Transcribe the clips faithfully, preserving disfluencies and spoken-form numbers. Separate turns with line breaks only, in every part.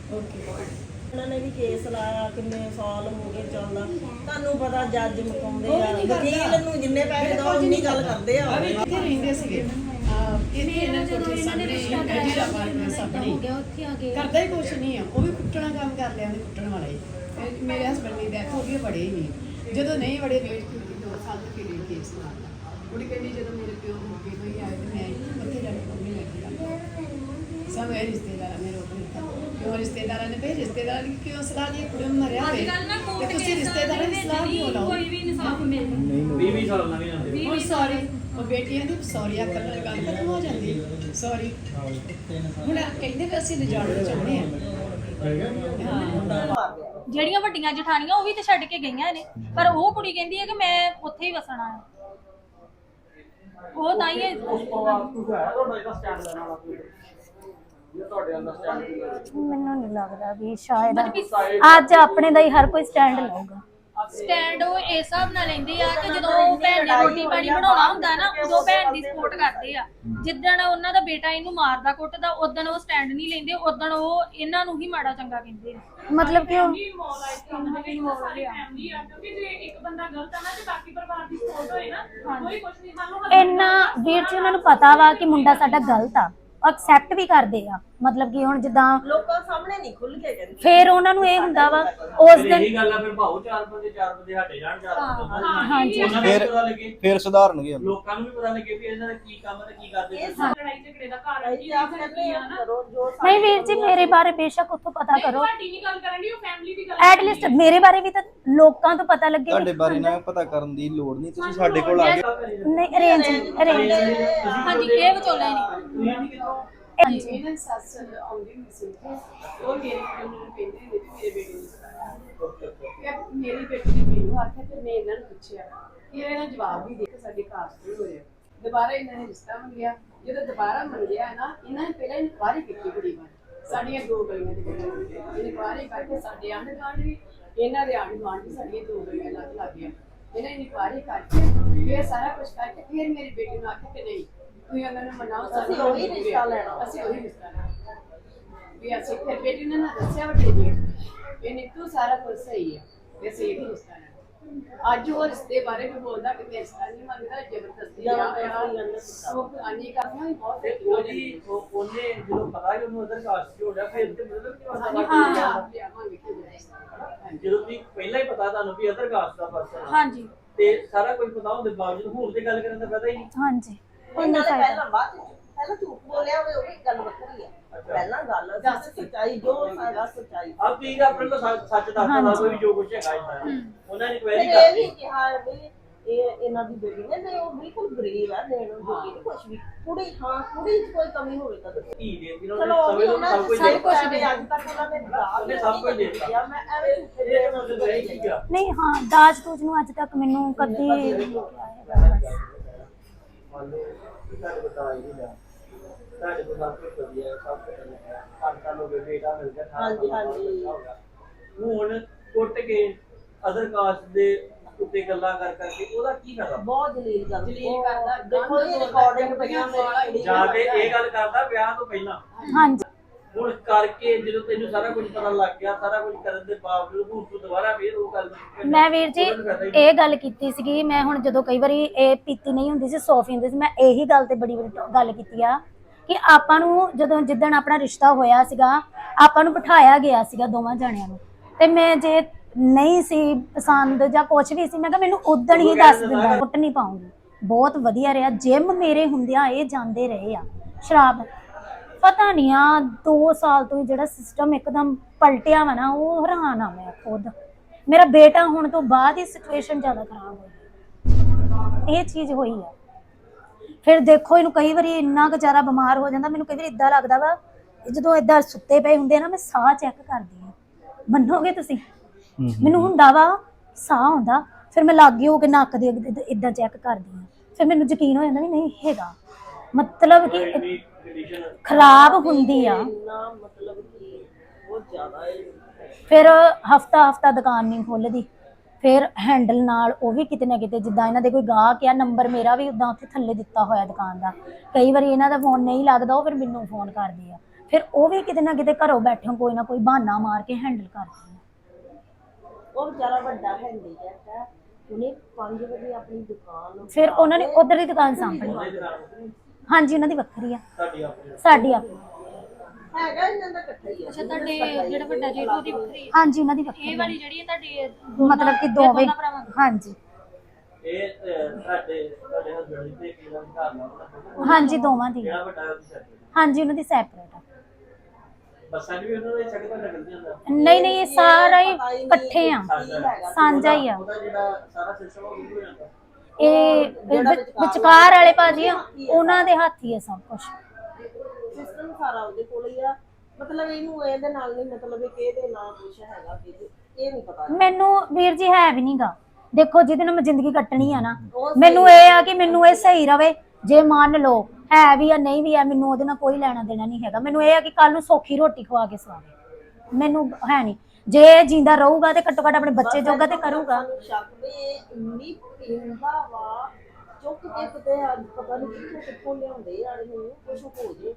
ਉਹਨਾਂ ਨੇ ਵੀ ਕੇਸ ਲਾਇਆ, ਕਿੰਨੇ ਸਾਲ ਹੋ ਗਏ ਚੱਲਦਾ। ਤੁਹਾਨੂੰ ਪਤਾ ਜੱਜ ਮੁਕਾਉਂਦੇ ਆ, ਵਕੀਲ ਨੂੰ ਜਿੰਨੇ ਪੈਸੇ ਦੋ ਉਨੀ ਗੱਲ ਕਰਦੇ ਆ।
ਕਿੱਥੇ ਰਹਿੰਦੇ ਸੀਗੇ ਇਹਨੇ ਇਹਨਾਂ ਕੋਲ ਸਾਹਮਣੇ ਜਿਹੜਾ ਬਾਰ ਸਾਹਮਣੇ ਕਰਦਾ ਹੀ ਕੁਛ ਨਹੀਂ ਆ, ਉਹ ਵੀ ਕੁੱਟਣਾ ਕੰਮ ਕਰ ਲਿਆ ਉਹਨੇ, ਕੁੱਟਣ ਵਾਲਾ ਹੀ। ਮੇਰੇ ਹਸਬੰਡ ਦੀ ਡੈਥ ਹੋ ਗਈ, ਬੜੇ ਹੀ ਨਹੀਂ ਜਦੋਂ ਨਹੀਂ ਬੜੇ ਵੇਟ ਕੀਤੀ ਦੋ ਸਾਲ ਤੱਕ ਇਹ ਕੇਸ ਲਾਇਆ। ਕੁੜੀ ਕਹਿੰਦੀ ਜਦੋਂ ਮੇਰੇ ਪਿਓ ਹੋ ਗਏ ਕੋਈ ਆਏ ਤੇ ਮੈਂ ਉੱਥੇ ਜਾ ਕੇ ਮੰਮੀ ਲੈ ਕੇ ਆਇਆ। ਸਭ ਇਹ ਰਿਸ਼ਤੇਦਾਰ ਮੇਰੇ ਉੱਪਰ ਕਿਉਂ ਰਿਸ਼ਤੇਦਾਰਾਂ ਨੇ ਭਈ ਰਿਸ਼ਤੇਦਾਰਾਂ ਦੀ ਕਿਉਂ ਸਲਾਹ ਲਈ ਕੁੜੀ ਨੂੰ ਮਰਿਆ ਹੋਵੇ ਤੇ ਤੁਸੀਂ ਰਿਸ਼ਤੇਦਾਰਾਂ ਦੀ ਸਲਾਹ ਕਿਉਂ ਲਾਓ?
ਕੋਈ ਵੀ ਇਨਸਾਫ ਮਿਲਦਾ
ਵੀਹ ਵੀਹ ਸਾਲ ਨਵੀਂ ਆਉਂਦੇ
ਹੁਣ ਸੌਰੀ ਉਹ ਬੇਟੀਆਂ ਦੀ ਸੌਰੀ ਆਕਰ ਨਾਲ ਗੱਲ ਖਤਮ ਹੋ ਜਾਂਦੀ ਸੌਰੀ। ਹੁਣ ਕਹਿੰਦੇ ਵੀ ਅਸੀਂ ਲਿਜਾਣਾ ਚਾਹੁੰਦੇ ਹਾਂ।
ਜਿਹੜੀਆਂ ਵੱਡੀਆਂ ਜਠਾਣੀਆਂ ਉਹ ਵੀ ਤੇ ਛੱਡ ਕੇ ਗਈਆਂ ਨੇ, ਪਰ ਉਹ ਕੁੜੀ ਕਹਿੰਦੀ ਹੈ ਕਿ ਮੈਂ ਉੱਥੇ ਹੀ ਵਸਣਾ ਹੈ। ਉਹ ਤਾਂ ਹੀ
ਮੈਨੂੰ ਨਹੀਂ ਲੱਗਦਾ ਵੀ ਸ਼ਾਇਦ ਅੱਜ ਆਪਣੇ ਦਾ ਹੀ ਹਰ ਕੋਈ ਸਟੈਂਡ ਲਊਗਾ।
ਸਟੈਂਡ ਉਹ ਇਸ ਹਿਸਾਬ ਨਾਲ ਲੈਂਦੇ ਆ ਕਿ ਜਦੋਂ ਭੈਣ ਨੇ ਰੋਟੀ ਪਾਣੀ ਬਣਾਉਣਾ ਹੁੰਦਾ ਨਾ ਉਦੋਂ ਭੈਣ ਦੀ ਸਪੋਰਟ ਕਰਦੇ ਆ। ਜਿੱਦਣ ਉਹਨਾਂ ਦਾ ਬੇਟਾ ਇਹਨੂੰ ਮਾਰਦਾ ਕੁੱਟਦਾ ਉਦੋਂ ਉਹ ਸਟੈਂਡ ਨਹੀਂ ਲੈਂਦੇ, ਉਦੋਂ ਉਹ ਇਹਨਾਂ ਨੂੰ ਹੀ ਮਾੜਾ ਚੰਗਾ ਕਹਿੰਦੇ ਆ।
ਮਤਲਬ ਕਿ ਉਹ ਇੰਨਾ ਵੀਰ ਜੀ ਉਹਨਾਂ ਨੂੰ ਪਤਾ ਵਾ ਕਿ ਮੁੰਡਾ ਸਾਡਾ ਗਲਤ ਆ, ਐਕਸੈਪਟ ਵੀ ਕਰਦੇ ਆ। ਮਤਲਬ ਕਿ ਹੁਣ ਜਿੱਦਾਂ
ਲੋਕਾਂ ਸਾਹਮਣੇ ਨਹੀਂ ਖੁੱਲ ਕੇ ਕਹਿੰਦੇ,
ਫਿਰ ਉਹਨਾਂ ਨੂੰ ਇਹ ਹੁੰਦਾ ਵਾ ਉਸ ਦਿਨ
ਇਹੀ ਗੱਲ ਆ। ਫਿਰ ਭਾਉ ਚਾਰ ਬੰਦੇ ਚਾਰ ਬੰਦੇ ਹਟੇ ਜਾਣ, ਚਾਰ ਬੰਦੇ
ਹਾਂਜੀ
ਉਹਨਾਂ ਨੂੰ ਪਤਾ ਲੱਗੇ,
ਫਿਰ ਸੁਧਾਰਨਗੇ
ਲੋਕਾਂ ਨੂੰ ਵੀ ਪਤਾ ਲੱਗੇ ਵੀ ਇਹਨਾਂ ਦਾ ਕੀ ਕੰਮ ਹੈ, ਕੀ ਕਰਦੇ ਨੇ।
ਲੜਾਈ ਝਗੜੇ ਦਾ ਘਰ
ਜੀ ਆਪ ਕਹਿੰਦੇ ਆ ਕਰੋ ਜੋ
ਨਹੀਂ ਵੀਰ ਜੀ ਮੇਰੇ ਬਾਰੇ ਬੇਸ਼ੱਕ ਉੱਥੋਂ ਪਤਾ ਕਰੋ,
ਤੁਹਾਡੀ ਨਹੀਂ ਗੱਲ ਕਰਨ ਦੀ, ਉਹ ਫੈਮਿਲੀ ਦੀ ਗੱਲ
ਐਟ ਲੀਸਟ ਮੇਰੇ ਬਾਰੇ ਵੀ ਤਾਂ ਲੋਕਾਂ ਤੋਂ ਪਤਾ ਲੱਗੇ।
ਤੁਹਾਡੇ ਬਾਰੇ ਨਾ ਪਤਾ ਕਰਨ ਦੀ ਲੋੜ ਨਹੀਂ, ਤੁਸੀਂ ਸਾਡੇ ਕੋਲ ਆ ਗਏ।
ਨਹੀਂ ਅਰੇਂਜ ਅਰੇਂਜ
ਹਾਂਜੀ ਇਹ ਵਿਚੋਲਾ ਨਹੀਂ।
ਤੁਸੀਂ ਨਹੀਂ ਕਿਥੋਂ
ਹਾਂਜੀ ਇਹਨਾਂ ਸੱਸ ਆਉਂਦੀ ਨਹੀਂ ਸੀ, ਉਹ ਮੇਰੇ ਕੋਲ ਨੂੰ ਕਹਿੰਦੇ ਨੇ ਵੀ ਮੇਰੇ ਬੇਟੇ ਨੂੰ ਸਤਾਇਆ। ਮੇਰੀ ਬੇਟੀ ਨੇ ਮੈਨੂੰ ਆਖਿਆ ਤੇ ਮੈਂ ਇਹਨਾਂ ਨੂੰ ਪੁੱਛਿਆ, ਇਹ ਇਹਨਾਂ ਜਵਾਬ ਵੀ ਦੇ ਕੇ ਸਾਡੇ ਕਾਸਟ ਨਹੀਂ ਹੋਇਆ। ਦੁਬਾਰਾ ਇਹਨਾਂ ਨੇ ਰਿਸ਼ਤਾ ਮੰਗਿਆ, ਜਦੋਂ ਦੁਬਾਰਾ ਮੰਗਿਆ ਨਾ ਇਹਨਾਂ ਨੇ ਪਹਿਲਾਂ ਇਨਕੁਆਇਰੀ ਕੀਤੀ ਕੁੜੀ ਬਾਰੇ। ਸਾਡੀਆਂ ਦੋ ਗਲੀਆਂ ਦੇ ਵਿੱਚ ਇਨਕੁਆਇਰੀ ਕਰਕੇ ਸਾਡੇ ਆਂਢ ਗੁਆਂਢ ਵੀ ਇਹਨਾਂ ਦੇ ਆਂਢ ਗੁਆਂਢ ਵੀ ਸਾਡੀਆਂ ਦੋ ਗਲੀਆਂ ਲੱਗ ਲੱਗ ਗਈਆਂ। ਇਹਨਾਂ ਇਨਕੁਆਇਰੀ ਕਰਕੇ ਇਹ ਸਾਰਾ ਕੁਝ ਕਰਕੇ ਫਿਰ ਮੇਰੀ ਬੇਟੀ ਨੂੰ ਆਖਿਆ ਕਿ ਨਹੀਂ ਤੁਸੀਂ ਉਹਨਾਂ ਨੂੰ ਮਨਾਓ,
ਅਸੀਂ ਉਹੀ ਰਿਸ਼ਤਾ ਲੈਣਾ,
ਅਸੀਂ ਉਹੀ ਰਿਸ਼ਤਾ ਲੈਣਾ ਵੀ ਅਸੀਂ। ਫਿਰ ਬੇਟੀ ਨੇ ਨਾ ਦੱਸਿਆ ਵੱਡੇ ਜੀ ਇਹ ਨੀਤੂ ਸਾਰਾ ਕੁਝ ਸਹੀ ਹੈ, ਵੀ ਅਸੀਂ ਇਹੀ ਰਿਸ਼ਤਾ ਲੈਣਾ। ਅੱਜ ਉਹ ਰਿਸ਼ਤੇ ਬਾਰੇ ਵੀ ਬੋਲਦਾ ਕਿ ਮੈਂ ਰਿਸ਼ਤਾ ਨਹੀਂ ਮੰਗਦਾ, ਜ਼ਬਰਦਸਤੀ ਆ ਉਹ ਆਨੀ ਕਰਨਾ ਬਹੁਤ
ਤੇ ਉਹ ਜੀ ਉਹ ਉਹਨੇ ਜਦੋਂ ਪਤਾ ਹੀ ਉਹਨੂੰ ਅਦਰ ਕਾਸਟ ਹੋ ਗਿਆ, ਫਿਰ ਤੇ ਮਤਲਬ ਕਿ
ਹਾਂ
ਜਦੋਂ ਤੁਸੀਂ ਪਹਿਲਾਂ ਹੀ ਪਤਾ ਤੁਹਾਨੂੰ ਵੀ ਅਦਰ ਕਾਸਟ ਦਾ ਪਰਸਨ ਆ
ਹਾਂਜੀ
ਤੇ ਸਾਰਾ ਕੁਝ ਪਤਾ ਹੁੰਦੇ ਬਾਵਜੂਦ ਹੁਣ ਤੇ ਗੱਲ ਕਰਨ ਦਾ ਫਾਇਦਾ ਹੀ ਨਹੀਂ।
ਹਾਂਜੀ
ਉਹਨਾਂ ਨੇ ਪਹਿਲਾਂ ਬਾਅਦ ਪਹਿਲਾਂ ਝੂਠ ਬੋਲਿਆ ਹੋਵੇ, ਉਹ ਵੀ ਗੱਲ ਵੱਖਰੀ ਆ। ਪਹਿਲਾਂ ਗੱਲ ਦੱਸ ਸੱਚਾਈ ਜੋ ਸਾਡਾ ਸੱਚਾਈ
ਆਪ ਤੁਸੀਂ ਆਪਣੇ ਕੋਲ ਸੱਚ ਦੱਸਦਾ ਲਾ ਕੋਈ ਜੋ ਕੁਝ ਹੈਗਾ ਇਦਾਂ ਉਹਨਾਂ ਨੇ ਕੁਐਰੀ
ਇਹ ਵੀ
ਕਰਤੀ।
ਕਿਹਾ ਵੀ ਇਹ ਇਹਨਾਂ ਦੀ ਬੇਟੀ ਨੇ ਤੇ ਉਹ ਬਿਲਕੁਲ ਗਰੀਬ ਆ, ਦੇਣ ਨੂੰ ਜੋਗੀ ਨਹੀਂ ਕੁਝ ਵੀ। ਕੁੜੀ ਹਾਂ ਕੁੜੀ ਚ ਕੋਈ ਕਮੀ ਹੋਵੇ ਤਾਂ ਦੱਸੋ।
ਧੀ ਦੇ ਦਿਨੋਂ
ਚਲੋ ਉਹ ਵੀ
ਸਭ
ਉਹਨਾਂ
ਕੁਝ
ਨੇ
ਦੇ
ਸਭ ਕੁਝ ਦੇ ਅੱਜ ਤੱਕ ਉਹਨਾਂ ਨੇ
ਉਹਨੇ ਸਭ ਕੁਝ ਦੇ ਦਿੱਤਾ।
ਮੈਂ ਐਵੇਂ ਝੂਠੇ ਦੇ
ਇਹ ਮਤਲਬ ਇਹ ਸੀਗਾ
ਨਹੀਂ ਹਾਂ ਦਾਜ ਦੂਜ ਨੂੰ ਅੱਜ ਤੱਕ ਮੈਨੂੰ ਕਦੀ
ਮੰਨ ਲਓ ਤੁਹਾਡੇ ਬਤਾ ਹੀ ਨਹੀਂ ਤੁਹਾਡੇ ਕੋਲ ਸਭ ਕੁਝ ਵਧੀਆ ਸਭ ਕੁਝ ਹੈ, ਆਟਾ ਲੋ ਬੇਟਾ ਮਿਲ ਗਿਆ।
ਹਾਂਜੀ ਹਾਂਜੀ
ਹੁਣ ਕੁੱਟ ਕੇ ਅਦਰ ਕਾਸਟ ਦੇ ਉੱਤੇ ਗੱਲਾਂ ਕਰ ਕਰਕੇ ਉਹਦਾ ਕੀ ਫਾਇਦਾ?
ਬਹੁਤ ਜਲੀਲ ਗੱਲ
ਜਲੀਲ ਕਰਦਾ।
ਦੇਖੋ ਇਹ ਰਿਕਾਰਡਿੰਗ ਪਈਆਂ ਮੇਰੀ
ਜਾਂ ਤੇ ਇਹ ਗੱਲ ਕਰਦਾ ਵਿਆਹ ਤੋਂ ਪਹਿਲਾਂ,
ਹਾਂਜੀ
ਹੁਣ ਕਰਕੇ ਜਦੋਂ ਤੈਨੂੰ ਸਾਰਾ ਕੁਝ ਪਤਾ ਲੱਗ ਗਿਆ, ਸਾਰਾ ਕੁਝ ਕਰਨ ਦੇ ਬਾਵਜੂਦ ਹੁਣ ਤੂੰ ਦੁਬਾਰਾ ਫੇਰ ਉਹ ਗੱਲ
ਮੈਂ ਵੀਰ ਜੀ ਇਹ ਗੱਲ ਕੀਤੀ ਸੀਗੀ। ਮੈਂ ਹੁਣ ਜਦੋਂ ਕਈ ਵਾਰੀ ਇਹ ਪੀਤੀ ਨਹੀਂ ਹੁੰਦੀ ਸੀ, ਸੌਫੀ ਹੁੰਦੀ ਸੀ, ਮੈਂ ਇਹੀ ਗੱਲ ਤੇ ਬੜੀ ਵਾਰੀ ਗੱਲ ਕੀਤੀ ਆ ਕਿ ਆਪਾਂ ਨੂੰ ਜਦੋਂ ਜਿੱਦਣ ਆਪਣਾ ਰਿਸ਼ਤਾ ਹੋਇਆ ਸੀਗਾ ਆਪਾਂ ਨੂੰ ਬਿਠਾਇਆ ਗਿਆ ਸੀਗਾ ਦੋਵਾਂ ਜਣਿਆਂ ਨੂੰ, ਤੇ ਮੈਂ ਜੇ ਨਹੀਂ ਸੀ ਪਸੰਦ ਜਾਂ ਕੁਝ ਵੀ ਸੀ ਮੈਂ ਕਿਹਾ ਮੈਨੂੰ ਉਦਣ ਹੀ ਦੱਸ ਦਿੰਦਾ, ਕੁੱਟ ਨਹੀਂ ਪਾਉਂਗੀ। ਬਹੁਤ ਵਧੀਆ ਰਿਹਾ। ਜਿਮ ਮੇਰੇ ਹੁੰਦਿਆਂ ਇਹ ਜਾਂਦੇ ਰਹੇ ਆ। ਸ਼ਰਾਬ ਪਤਾ ਨਹੀਂ ਆ ਦੋ ਸਾਲ ਤੋਂ ਜਿਹੜਾ ਸਿਸਟਮ ਇੱਕਦਮ ਪਲਟਿਆ ਵਾ ਨਾ, ਉਹ ਹੈਰਾਨ ਆ ਮੈਂ ਖੁਦ। ਮੇਰਾ ਬੇਟਾ ਹੋਣ ਤੋਂ ਬਾਅਦ ਹੀ ਸਿਚੁਏਸ਼ਨ ਜ਼ਿਆਦਾ ਖਰਾਬ ਹੋਈ, ਇਹ ਚੀਜ਼ ਹੋਈ ਆ। ਫਿਰ ਦੇਖੋ ਇਹਨੂੰ ਕਈ ਵਾਰੀ ਇੰਨਾ ਕੁ ਜ਼ਿਆਦਾ ਬਿਮਾਰ ਹੋ ਜਾਂਦਾ, ਮੈਨੂੰ ਕਈ ਵਾਰੀ ਇਦਾਂ ਲੱਗਦਾ ਵਾ ਜਦੋਂ ਏਦਾਂ ਸੁੱਤੇ ਪਏ ਹੁੰਦੇ ਆ ਨਾ, ਮੈਂ ਸਾਹ ਚੈੱਕ ਕਰਦੀ ਹਾਂ, ਮੰਨੋਗੇ ਤੁਸੀਂ? ਮੈਨੂੰ ਹੁੰਦਾ ਵਾ ਸਾਹ ਆਉਂਦਾ, ਫਿਰ ਮੈਂ ਲਾਗੇ ਹੋ ਕੇ ਨੱਕ ਦੇ ਇਦਾਂ ਚੈੱਕ ਕਰਦੀ ਹਾਂ, ਫਿਰ ਮੈਨੂੰ ਯਕੀਨ ਹੋ ਜਾਂਦਾ ਵੀ ਨਹੀਂ ਹੈਗਾ। ਮਤਲਬ ਕਿ ਖਰਾਬ ਹੁੰਦੀ ਆ।
ਮਤਲਬ ਕਿ ਬਹੁਤ ਜ਼ਿਆਦਾ ਹੈ।
ਫਿਰ ਹਫਤਾ ਹਫਤਾ ਦੁਕਾਨ ਨਹੀਂ ਖੁੱਲਦੀ, ਫਿਰ ਹੈਂਡਲ ਨਾਲ ਉਹ ਵੀ ਕਿਤੇ ਨਾ ਕਿਤੇ ਜਿੱਦਾਂ ਇਹਨਾਂ ਦੇ ਕੋਈ ਗਾਹਕ ਆ, ਨੰਬਰ ਮੇਰਾ ਵੀ ਉਦਾਂ ਉੱਥੇ ਥੱਲੇ ਦਿੱਤਾ ਹੋਇਆ ਦੁਕਾਨ ਦਾ। ਕਈ ਵਾਰੀ ਇਹਨਾਂ ਦਾ ਫੋਨ ਨਹੀਂ ਲੱਗਦਾ, ਉਹ ਫਿਰ ਮੈਨੂੰ ਫੋਨ ਕਰਦੇ ਆ। ਫਿਰ ਉਹ ਵੀ ਕਿਤੇ ਨਾ ਕਿਤੇ ਘਰੋਂ ਬੈਠੇ ਕੋਈ ਨਾ ਕੋਈ ਬਹਾਨਾ ਮਾਰ ਕੇ ਹੈਂਡਲ ਕਰਦੇ ਆ।
ਉਹ ਵਿਚਾਰਾ ਵੱਡਾ ਹੈਂਡੀਕੈਪ ਹੈ, ਉਹਨੇ ਪੰਜ ਵਜੇ ਆਪਣੀ ਦੁਕਾਨ
ਫਿਰ ਉਹਨਾਂ ਨੇ ਉਧਰ ਦੀ ਦੁਕਾਨ ਸਾਂਭਣੀ। ਹਾਂਜੀ ਉਹਨਾਂ ਦੀ ਵੱਖਰੀ ਆ,
ਸਾਡੀ ਆਪਣੀ
ਸਾਡੀ ਆਪਣੀ।
ਹੈਗਾ ਇਹਨਾਂ ਦਾ ਇਕੱਠਾ ਹੀ ਆ।
ਅੱਛਾ ਤੁਹਾਡੇ ਜਿਹੜਾ ਵੱਡਾ ਜੇਠ ਉਹਦੀ ਵੱਖਰੀ ਹੈ,
ਹਾਂਜੀ ਉਹਨਾਂ ਦੀ ਵੱਖਰੀ
ਇਹ
ਆ।
ਵਾਲੀ ਜਿਹੜੀ ਹੈ ਤੁਹਾਡੀ
ਮਤਲਬ ਕਿ ਦੋਵੇਂ ਹਾਂਜੀ
ਇਹ ਅਹ, ਸਾਡੇ ਸਾਡੇ ਹਸਬੰਡ ਦੇ ਕੀ ਨਾਮ ਘਰ ਨਾਲ
ਹਾਂਜੀ ਦੋਵਾਂ ਦੀ
ਜਿਹੜਾ ਵੱਡਾ ਉਹ ਸੈਟ
ਹਾਂਜੀ ਉਹਨਾਂ ਦੀ ਸੈਪਰੇਟ ਆ।
ਬੱਸਾਂ ਵੀ ਉਹਨਾਂ ਦੇ ਛੱਡ ਕੇ ਨਿਕਲਦੀਆਂ ਹੁੰਦਾ
ਨਹੀਂ ਨਹੀਂ ਇਹ ਸਾਰਾ ਹੀ ਇਕੱਠੇ ਆ, ਸਾਂਝਾ ਹੀ ਆ।
ਉਹਦਾ ਜਿਹੜਾ ਸਾਰਾ ਸਿਸਟਮ ਉਹ ਵੀ ਹੋ ਜਾਂਦਾ
ਇਹ ਵਿ- ਵਿਚਕਾਰ ਵਾਲੇ ਭਾਜੀ ਆ, ਉਹਨਾਂ ਦੇ ਹੱਥ ਹੀ ਆ ਸਭ ਕੁਝ।
ਸਿਸਟਮ ਸਾਰਾ ਉਹਦੇ ਕੋਲ ਹੀ ਆ। ਮਤਲਬ ਇਹਨੂੰ ਇਹਦੇ ਨਾਲ ਨਹੀਂ ਮਤਲਬ ਇਹ ਕਿਹਦੇ ਨਾਲ ਕੁਛ ਹੈਗਾ ਕਿ ਇਹ ਨਹੀਂ ਪਤਾ।
ਮੈਨੂੰ ਵੀਰ ਜੀ ਹੈ ਵੀ ਨਹੀਂਗਾ। ਦੇਖੋ ਜਿਹਦੇ ਨਾਲ ਮੈਂ ਜ਼ਿੰਦਗੀ ਕੱਟਣੀ ਆ ਨਾ, ਮੈਨੂੰ ਇਹ ਆ ਕਿ ਮੈਨੂੰ ਇਹ ਸਹੀ ਰਵੇ। ਜੇ ਮੰਨ ਲਓ ਹੈ ਵੀ ਆ ਨਹੀਂ ਵੀ ਆ, ਮੈਨੂੰ ਉਹਦੇ ਨਾਲ ਕੋਈ ਲੈਣਾ ਦੇਣਾ ਨਹੀਂ ਹੈਗਾ। ਮੈਨੂੰ ਇਹ ਆ ਕਿ ਕੱਲ ਨੂੰ ਸੌਖੀ ਰੋਟੀ ਖਵਾ ਕੇ ਸਵਾਵੇ, ਮੈਨੂੰ ਹੈ ਨਹੀਂ। ਜੇ ਜਿੰਦਾ ਰਹੂਗਾ ਤੇ ਘੱਟੋ ਘੱਟ ਆਪਣੇ ਬੱਚੇ ਜੋਗਾ ਤੇ ਕਰੂਗਾ।
ਸਾਨੂੰ ਸ਼ੱਕ ਵੀ ਇਹ ਇੰਨੀ ਪੀਂਦਾ ਵਾ, ਚੁੱਕ ਕੇ ਕਿਤੇ ਅੱਜ ਪਤਾ ਨਹੀਂ ਕਿੱਥੋਂ ਕਿੱਥੋਂ ਲਿਆਉਂਦੇ ਆ ਇਹਨੂੰ, ਕੁਛ ਹੋ ਜੇ